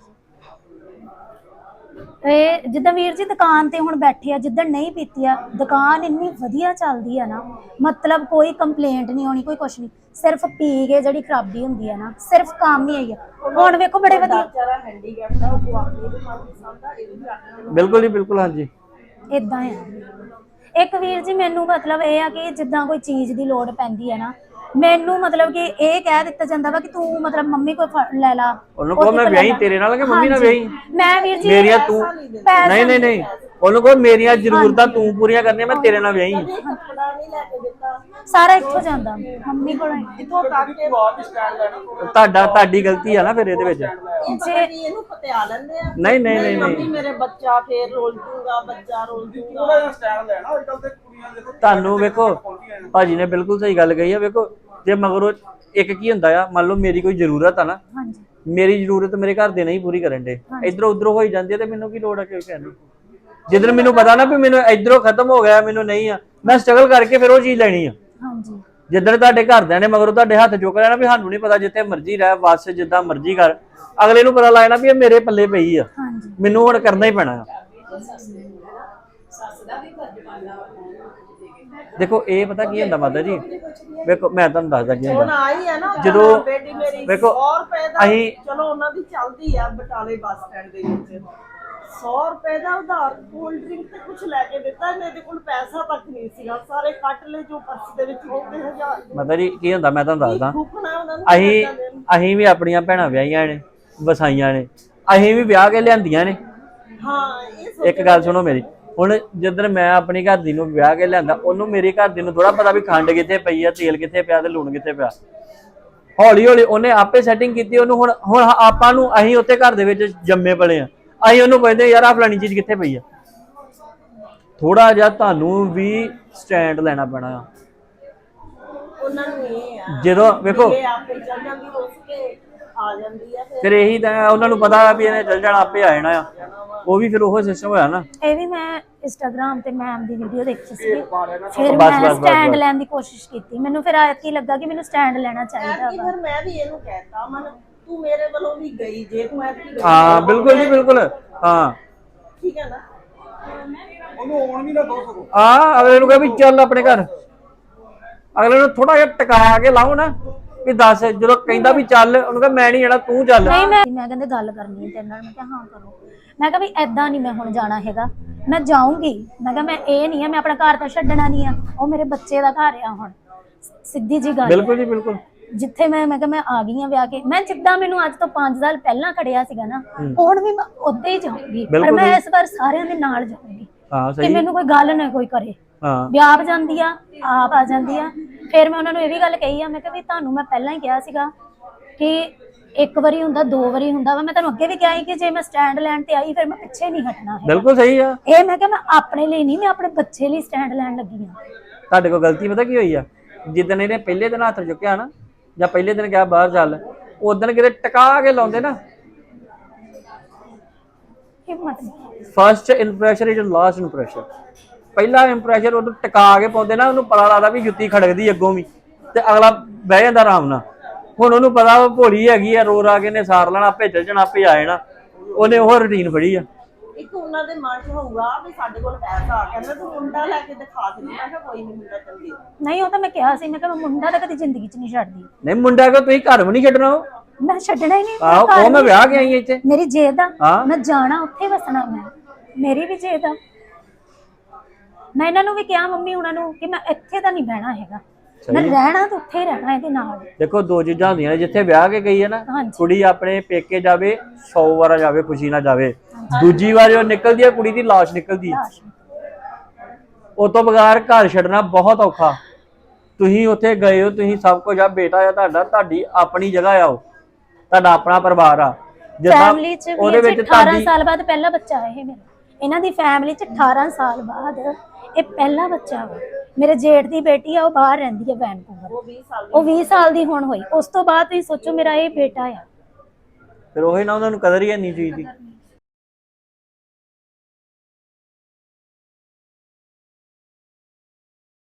ਇਹ ਜਿੱਦਾਂ ਵੀਰ ਜੀ ਦੁਕਾਨ ਤੇ ਹੁਣ ਬੈਠੇ ਆ, ਜਿੱਦਾਂ ਨਹੀਂ ਪੀਤੀ ਆ, ਦੁਕਾਨ ਇੰਨੀ ਵਧੀਆ ਚੱਲਦੀ ਆ ਨਾ, ਮਤਲਬ ਕੋਈ ਕੰਪਲੇਂਟ ਨਹੀਂ ਆਉਣੀ, ਕੋਈ ਕੁਛ ਨਹੀਂ। ਸਿਰਫ ਪੀ ਕੇ ਜਿਹੜੀ ਖਰਾਬੀ ਹੁੰਦੀ ਆ ਨਾ, ਸਿਰਫ ਕੰਮ ਹੀ ਆਈ ਆ। ਹੁਣ ਵੇਖੋ ਬੜੇ ਵਧੀਆ
ਵਿਚਾਰਾ ਹੈਂਡੀਕੈਪ ਦਾ, ਉਹ ਆਪਣੀ ਦੁਕਾਨ ਦੀ ਸੰਭਾ, ਇਹ ਵੀ ਆਪਣੇ
ਬਿਲਕੁਲ ਜੀ ਬਿਲਕੁਲ। ਹਾਂਜੀ
ਇਦਾਂ ਆ। ਇੱਕ ਵੀਰ ਜੀ ਮੈਨੂੰ ਮਤਲਬ ਇਹ ਆ ਕਿ ਜਿੱਦਾਂ ਕੋਈ ਚੀਜ਼ ਦੀ ਲੋੜ ਪੈਂਦੀ ਹੈ ਨਾ, ਮੈਨੂੰ ਮਤਲਬ ਕਿ ਇਹ ਕਹਿ ਦਿੱਤਾ ਜਾਂਦਾ ਵਾ ਕਿ ਤੂੰ ਮਤਲਬ ਮੰਮੀ ਕੋਲ ਫੜ ਲੈ ਲਾ,
ਉਹਨੂੰ ਕਹੋ ਮੈਂ ਵਿਆਹੀ ਤੇਰੇ ਨਾਲ ਕਿ ਮੰਮੀ ਨਾਲ ਵਿਆਹੀ।
ਮੈਂ ਵੀਰ ਜੀ
ਮੇਰੀਆਂ ਤੂੰ ਨਹੀਂ ਨਹੀਂ ਨਹੀਂ ਉਹਨੂੰ ਕਹੋ ਮੇਰੀਆਂ ਜ਼ਰੂਰਤਾਂ ਤੂੰ ਪੂਰੀਆਂ ਕਰਨੀਆਂ, ਮੈਂ ਤੇਰੇ ਨਾਲ ਵਿਆਹੀ।
ਕੱਪੜਾ ਨਹੀਂ ਲੈ ਕੇ ਦਿੱਤਾ,
ਸਾਰਾ ਇੱਥੋਂ ਜਾਂਦਾ ਮੰਮੀ ਕੋਲ।
ਇੱਥੋਂ ਤੱਕ ਕਿ
ਆਪ ਹੀ ਸਟੈਂਡ ਲੈਣਾ।
ਤੁਹਾਡਾ ਤੁਹਾਡੀ ਗਲਤੀ ਆ ਨਾ ਫਿਰ ਇਹਦੇ ਵਿੱਚ।
ਇਹ ਪਤਾ ਵੀ ਇਹਨੂੰ ਪਤਿਆ ਲੈਂਦੇ ਆ।
ਨਹੀਂ ਨਹੀਂ ਨਹੀਂ
ਮੰਮੀ
ਨਹੀਂ
ਮੇਰੇ ਬੱਚਾ ਫੇਰ ਰੋਲ ਜੂਗਾ, ਬੱਚਾ ਰੋਲ ਜੂਗਾ।
ਥੋੜਾ ਜਿਹਾ ਸਟੈਂਡ ਲੈਣਾ। ਅੱਜ ਕੱਲ ਤੇ ਕੁੜੀਆਂ ਦੇਖੋ
ਤੁਹਾਨੂੰ ਵੇਖੋ ਭਾਜੀ ਨੇ ਬਿਲਕੁਲ ਸਹੀ ਗੱਲ ਕਹੀ ਆ। ਵੇਖੋ ਜੇ ਮਗਰੋਂ ਇੱਕ ਕੀ ਹੁੰਦਾ ਆ, ਮੰਨ ਲਓ ਮੇਰੀ ਕੋਈ ਜ਼ਰੂਰਤ ਆ ਨਾ,
ਹਾਂਜੀ
ਮੇਰੀ ਜ਼ਰੂਰਤ ਮੇਰੇ ਘਰ ਦੇ ਨਹੀਂ ਪੂਰੀ ਕਰਨ ਦੇ, ਇਧਰੋਂ ਉਧਰੋਂ ਹੋਈ ਜਾਂਦੀ ਹੈ, ਤੇ ਮੈਨੂੰ ਕੀ ਲੋੜ ਆ ਕਿ ਕਹਿਣ ਦੀ। ਜਿੱਦਣ ਮੈਨੂੰ ਪਤਾ ਨਾ ਵੀ ਮੈਨੂੰ ਇਧਰੋਂ ਖਤਮ ਹੋ ਗਿਆ, ਮੈਨੂੰ ਨਹੀਂ ਆ, ਮੈਂ ਸਟਰਗਲ ਕਰਕੇ ਫਿਰ ਉਹ ਚੀਜ਼ ਲੈਣੀ ਆ।
ਹਾਂਜੀ
ਜਿੱਦਣ ਤੁਹਾਡੇ ਘਰਦਿਆਂ ਨੇ ਮਗਰੋਂ ਤੁਹਾਡੇ ਹੱਥ ਚੁੱਕ ਲੈਣਾ ਵੀ ਸਾਨੂੰ ਨਹੀਂ ਪਤਾ, ਜਿੱਥੇ ਮਰਜ਼ੀ ਰਹਿ ਬਸ ਜਿੱਦਾਂ ਮਰਜ਼ੀ ਕਰ, ਅਗਲੇ ਨੂੰ ਪਤਾ ਲੱਗਣਾ ਵੀ ਇਹ ਮੇਰੇ ਪੱਲੇ ਪਈ ਆ,
ਹਾਂਜੀ
ਮੈਨੂੰ ਹੁਣ ਕਰਨਾ ਹੀ ਪੈਣਾ ਆ।
ਸੱਸ ਦਾ ਵੀ ਫਰਜ਼ ਬਣਦਾ ਵਾ।
ਦੇਖੋ ਇਹ ਪਤਾ ਕੀ ਹੁੰਦਾ ਮਾਤਾ ਜੀ, ਵੇਖੋ ਮੈਂ ਤੁਹਾਨੂੰ ਦੱਸਦਾ ਕੀ
ਹੁਣ
ਹੁੰਦਾ।
ਆਈ ਆ ਨਾ
ਜਦੋਂ
ਬੇਟੀ ਮੇਰੀ
ਵੇਖੋ
ਸੌ ਰੁਪਏ ਦਾ,
ਅਸੀਂ
ਚਲੋ ਉਹਨਾਂ ਦੀ ਚੱਲਦੀ ਆ ਬਟਾਲੇ ਬੱਸ ਸਟੈਂਡ ਦੇ ਵਿੱਚ, ਸੌ ਰੁਪਏ ਦਾ ਉਧਾਰ ਕੋਲਡ ਡਰਿੰਕ ਤੇ ਕੁਝ ਲੈ ਕੇ ਦਿੱਤਾ, ਮੇਰੇ ਕੋਲ ਪੈਸਾ ਤੱਕ ਨਹੀਂ ਸੀਗਾ, ਸਾਰੇ ਕੱਟ ਲਏ ਜੋ ਪਰਸ ਦੇ ਵਿੱਚ ਹੋਵੇ ਹਜ਼ਾਰ।
ਮਾਤਾ ਜੀ ਕੀ ਹੁੰਦਾ ਮੈਂ ਤੁਹਾਨੂੰ ਦੱਸਦਾ,
ਦੁੱਖਣਾ ਉਹਨਾਂ ਨੂੰ
ਅਸੀਂ ਅਸੀਂ ਵੀ ਆਪਣੀਆਂ ਭੈਣਾਂ ਵਿਆਹੀਆਂ ਨੇ, ਵਸਾਈਆਂ ਨੇ, ਅਸੀਂ ਵੀ ਵਿਆਹ ਕੇ ਲਿਆਂਦੀਆਂ ਨੇ।
ਹਾਂ ਇਹ
ਇੱਕ ਗੱਲ ਸੁਣੋ ਮੇਰੀ, ਹੁਣ ਜਿੱਦਣ ਮੈਂ ਆਪਣੀ ਘਰ ਦੀ ਨੂੰ ਵਿਆਹ ਕੇ ਲਿਆਂਦਾ, ਉਹਨੂੰ ਮੇਰੀ ਘਰ ਦੀ ਨੂੰ ਥੋੜਾ ਪਤਾ ਵੀ ਖੰਡ ਕਿੱਥੇ ਪਈ ਆ, ਤੇਲ ਕਿੱਥੇ ਪਿਆ ਤੇ ਲੂਣ ਕਿੱਥੇ ਪਿਆ। ਹੌਲੀ ਹੌਲੀ ਉਹਨੇ ਆਪੇ ਸੈਟਿੰਗ ਕੀਤੀ ਉਹਨੂੰ। ਹੁਣ ਹੁਣ ਆਪਾਂ ਨੂੰ ਅਸੀਂ ਉੱਥੇ ਘਰ ਦੇ ਵਿੱਚ ਜੰਮੇ ਪਲੇ ਆ, ਅਸੀਂ ਉਹਨੂੰ ਕਹਿੰਦੇ ਯਾਰ ਆਹ ਫਲਾਣੀ ਚੀਜ਼ ਕਿੱਥੇ ਪਈ ਆ। ਥੋੜਾ ਜਿਹਾ ਤੁਹਾਨੂੰ ਵੀ ਸਟੈਂਡ ਲੈਣਾ ਪੈਣਾ ਆ।
ਉਹਨਾਂ ਨੂੰ ਇਹ ਆ
ਜਦੋਂ ਵੇਖੋ
ਇਹ ਆਪੇ ਚੱਲ ਜਾਂਦੀ ਰੁੱਸ ਕੇ ਆ ਜਾਂਦੀ ਆ,
ਫਿਰ ਇਹੀ ਤਾਂ ਉਹਨਾਂ ਨੂੰ ਪਤਾ ਵੀ ਇਹਨੇ ਚੱਲ ਜਾਣਾ, ਆਪੇ ਆ ਜਾਣਾ ਆ, ਉਹ ਵੀ ਫਿਰ ਉਹ ਸਿਸਟਮ ਹੋਇਆ ਨਾ।
ਇਹ ਵੀ ਮੈਂ ਇੰਸਟਾਗ੍ਰਾਮ ਤੇ ਮੈਮ ਦੀ ਵੀਡੀਓ ਦੇਖੀ ਸੀ, ਫਿਰ
ਬਸ,
ਮੈਂ
ਬਸ,
ਸਟੈਂਡ
ਬਸ।
ਲੈਣ ਦੀ ਕੋਸ਼ਿਸ਼ ਕੀਤੀ। ਮੈਨੂੰ ਫਿਰ ਐਤਕੀ ਲੱਗਾ ਕਿ ਮੈਨੂੰ ਸਟੈਂਡ ਲੈਣਾ ਚਾਹੀਦਾ
ਕਿ
ਵਾ।
ਫਿਰ ਮੈਂ ਵੀ ਇਹਨੂੰ ਕਹਿਤਾ, ਮਨ ਤੂੰ ਮੇਰੇ ਵੱਲੋਂ ਵੀ ਗਈ, ਜੇ ਤੂੰ ਐਤਕੀ ਗਈ
ਹਾਂ ਬਿਲਕੁਲ ਜੀ ਬਿਲਕੁਲ। ਹਾਂ
ਠੀਕ ਹੈ ਨਾ।
ਉਹਨੂੰ ਆਉਣ ਵੀ ਨਾ ਦੋ ਸਕੋ।
ਆ ਅਗਲੇ ਨੂੰ ਕਹੇ ਵੀ ਚੱਲ ਆਪਣੇ ਘਰ, ਅਗਲੇ ਨੂੰ ਥੋੜਾ ਜਿਹਾ ਟਿਕਾ ਕੇ ਲਾਓ ਨਾ ਵੀ ਦੱਸ, ਜਦੋਂ ਕਹਿੰਦਾ ਵੀ ਚੱਲ ਉਹਨੂੰ ਕਹੇ ਮੈਂ ਨਹੀਂ ਜਾਣਾ ਤੂੰ ਚੱਲ।
ਨਹੀਂ ਮੈਂ ਮੈਂ ਕਹਿੰਦੇ ਗੱਲ ਕਰਨੀ ਹੈ ਤੇਰੇ ਨਾਲ, ਮੈਂ ਕਿਹਾ ਹਾਂ ਕਰੋ। ਮੈਂ ਕਿਹਾ ਵੀ ਐਦਾਂ ਨਹੀਂ ਮੈਂ ਹੁਣ ਜਾਣਾ ਹੈਗਾ, ਮੈਂ ਜਾਊਂਗੀ। ਮੈਂ ਕਿਹਾ ਮੈਂ ਇਹ ਨਹੀਂ ਆ ਮੈਂ ਆਪਣਾ ਘਰ ਤਾਂ ਛੱਡਣਾ ਨਹੀਂ ਆ, ਉਹ ਮੇਰੇ ਬੱਚੇ ਦਾ ਘਰ ਆ। ਹੁਣ ਸਿੱਧੀ ਜੀ ਗੱਲ
ਬਿਲਕੁਲ ਜੀ ਬਿਲਕੁਲ।
ਜਿੱਥੇ ਮੈਂ ਮੈਂ ਕਿਹਾ ਮੈਂ ਆ ਗਈ ਆ ਵਿਆਹ ਕੇ, ਮੈਂ ਜਿੱਦਾਂ ਮੈਨੂੰ ਅੱਜ ਤੋਂ ਪੰਜ ਸਾਲ ਪਹਿਲਾਂ ਖੜਿਆ ਸੀਗਾ ਨਾ, ਹੁਣ ਵੀ ਮੈਂ ਉੱਦਾਂ ਹੀ ਜਾਊਂਗੀ, ਪਰ ਮੈਂ ਇਸ ਵਾਰ ਸਾਰਿਆਂ ਦੇ ਨਾਲ ਜਾਊਂਗੀ
ਹਾਂ
ਕਿ
ਸਹੀ।
ਮੈਨੂੰ ਕੋਈ ਗੱਲ ਨਾ ਕੋਈ ਕਰੇ।
ਹਾਂ
ਵੀ ਆਪ ਜਾਂਦੀ ਆ, ਆਪ ਆ ਜਾਂਦੀ ਆ। ਫਿਰ ਮੈਂ ਉਹਨਾਂ ਨੂੰ ਇਹ ਵੀ ਗੱਲ ਕਹੀ ਆ, ਮੈਂ ਕਿਹਾ ਵੀ ਤੁਹਾਨੂੰ ਮੈਂ ਪਹਿਲਾਂ ਹੀ ਕਿਹਾ ਸੀਗਾ ਕਿ ਇੱਕ ਵਾਰੀ ਹੁੰਦਾ, ਦੋ ਵਾਰੀ ਹੁੰਦਾ ਵਾ। ਮੈਂ ਤੁਹਾਨੂੰ ਅੱਗੇ ਵੀ ਕਿਹਾ ਸੀ ਕਿ ਜੇ ਮੈਂ ਸਟੈਂਡ ਲੈਣ ਤੇ ਆਈ ਫਿਰ ਮੈਂ ਪਿੱਛੇ ਨਹੀਂ ਹਟਣਾ ਹੈ।
ਬਿਲਕੁਲ ਸਹੀ ਆ।
ਇਹ ਮੈਂ ਕਿਹਾ ਮੈਂ ਆਪਣੇ ਲਈ ਨਹੀਂ, ਮੈਂ ਆਪਣੇ ਬੱਚੇ ਲਈ ਸਟੈਂਡ ਲੈਣ ਲੱਗੀ ਆ।
ਤੁਹਾਡੇ ਕੋਲ ਗਲਤੀ ਪਤਾ ਕੀ ਹੋਈ ਆ, ਜਿੱਦਣ ਇਹਨੇ ਪਹਿਲੇ ਦਿਨ ਹੱਥ ਚੁੱਕਿਆ ਨਾ, ਜਾਂ ਪਹਿਲੇ ਦਿਨ ਕਿਹਾ ਬਾਹਰ ਚੱਲ, ਉਦੋਂ ਕਿਤੇ ਟਿਕਾ ਕੇ ਲਾਉਂਦੇ ਨਾ,
ਹਿੰਮਤ ਨਹੀਂ।
First impression is last impression. ਪਹਿਲਾ ਇੰਪ੍ਰੈਸ਼ਨ ਉਹਨੂੰ ਟਿਕਾ ਕੇ ਪਾਉਂਦੇ ਨਾ, ਉਹਨੂੰ ਪਤਾ ਲੱਗਦਾ ਵੀ ਜੁੱਤੀ ਖੜਕਦੀ ਅੱਗੋਂ ਵੀ, ਤੇ ਅਗਲਾ ਬਹਿ ਜਾਂਦਾ ਆਰਾਮ ਨਾਲ। ਹੁਣ ਉਹਨੂੰ ਪਤਾ ਉਹ ਭੋਲੀ ਹੈਗੀ ਆ, ਰੋ ਰਾ ਕੇ ਨੇ ਸਾਰ ਲੈਣਾ, ਆਪੇ ਚੱਲ ਜਾਣਾ, ਆਪੇ ਆ ਜਾਣਾ, ਉਹਨੇ ਉਹ ਰੂਟੀਨ ਫੜੀ ਆ।
ਇੱਕ ਉਹਨਾਂ ਦੇ ਮਨ 'ਚ ਹੋਊਗਾ ਵੀ ਸਾਡੇ ਕੋਲ ਪੈਸਾ ਆ, ਕਹਿੰਦਾ ਤੂੰ ਮੁੰਡਾ ਲੈ ਕੇ ਦਿਖਾ ਦੇ। ਮੈਂ ਕਿਹਾ ਕੋਈ ਨਹੀਂ, ਮੁੰਡਾ ਚੱਲ ਗਿਆ।
ਨਹੀਂ ਉਹ ਤਾਂ ਮੈਂ ਕਿਹਾ ਸੀ, ਮੈਂ ਕਿਹਾ ਮੈਂ ਮੁੰਡਾ ਤਾਂ ਕਦੀ ਜ਼ਿੰਦਗੀ 'ਚ ਨਹੀਂ ਛੱਡਦੀ।
ਨਹੀਂ ਮੁੰਡਾ ਕੋ ਤੁਸੀਂ ਘਰ ਵੀ ਨਹੀਂ ਛੱਡਣਾ। ਉਹ
ਮੈਂ ਛੱਡਣਾ ਹੀ ਨਹੀਂ।
ਆਹੋ ਉਹ ਮੈਂ ਵਿਆਹ ਕੇ ਆਈ ਇੱਥੇ,
ਮੇਰੀ ਜੇਦ ਆ,
ਹਾਂ।
ਮੈਂ ਜਾਣਾ ਉੱਥੇ ਵਸਣਾ, ਮੈਂ ਮੇਰੀ ਵੀ ਜੇਦ ਆ। ਮੈਂ ਇਹਨਾਂ ਨੂੰ ਵੀ ਕਿਹਾ ਮੰਮੀ ਉਹਨਾਂ ਨੂੰ ਕਿ ਮੈਂ ਇੱਥੇ ਤਾਂ ਨਹੀਂ ਬਹਿਣਾ ਹੈਗਾ, ਮੈਂ ਰਹਿਣਾ ਤਾਂ ਉੱਥੇ ਹੀ ਰਹਿਣਾ ਇਹਦੇ ਨਾਲ।
ਦੇਖੋ ਦੋ ਚੀਜ਼ਾਂ ਹੁੰਦੀਆਂ ਨੇ, ਜਿੱਥੇ ਵਿਆਹ ਕੇ ਗਈ ਹੈ ਨਾ ਕੁੜੀ, ਆਪਣੇ ਪੇਕੇ ਜਾਵੇ ਸੌ ਵਾਰ ਜਾਵੇ, ਖੁਸ਼ੀ ਨਾਲ ਜਾਵੇ। ਦੂਜੀ ਵਾਰ ਜੋ ਨਿਕਲਦੀ ਹੈ ਕੁੜੀ ਦੀ ਲਾਸ਼ ਨਿਕਲਦੀ ਹੈ। ਉਹ ਤੋਂ ਬਗੈਰ ਘਰ ਛੱਡਣਾ ਬਹੁਤ ਔਖਾ। ਤੁਸੀਂ ਉੱਥੇ ਗਏ ਹੋ, ਤੁਸੀਂ ਸਭ ਕੁਝ ਆ, ਬੇਟਾ ਆ ਤੁਹਾਡਾ, ਤੁਹਾਡੀ ਆਪਣੀ ਜਗ੍ਹਾ ਆ, ਉਹ ਤੁਹਾਡਾ ਆਪਣਾ ਪਰਿਵਾਰ ਆ।
ਫੈਮਿਲੀ 'ਚ ਉਹਦੇ ਵਿੱਚ ਅਠਾਰਾਂ ਸਾਲ ਬਾਅਦ ਪਹਿਲਾ ਬੱਚਾ ਹੈ ਇਹ ਮੇਰਾ। ਇਹਨਾਂ ਦੀ ਫੈਮਿਲੀ 'ਚ ਅਠਾਰਾਂ ਸਾਲ ਬਾਅਦ ਇਹ ਪਹਿਲਾ ਬੱਚਾ ਵਾ। ਮੇਰੇ ਜੇਠ ਦੀ ਬੇਟੀ ਆ, ਉਹ ਬਾਹਰ ਰਹਿੰਦੀ ਹੈ ਵੈਨਕੂਵਰ, ਉਹ ਵੀਹ ਸਾਲ ਦੀ ਹੁਣ ਹੋਈ। ਉਸ ਤੋਂ ਬਾਅਦ ਤੁਸੀਂ ਸੋਚੋ ਮੇਰਾ ਇਹ ਬੇਟਾ ਆ।
ਫਿਰ ਉਹੀ ਨਾ, ਉਹਨਾਂ ਨੂੰ ਕਦਰ ਹੀ ਨਹੀਂ ਚੀਜ਼ ਦੀ।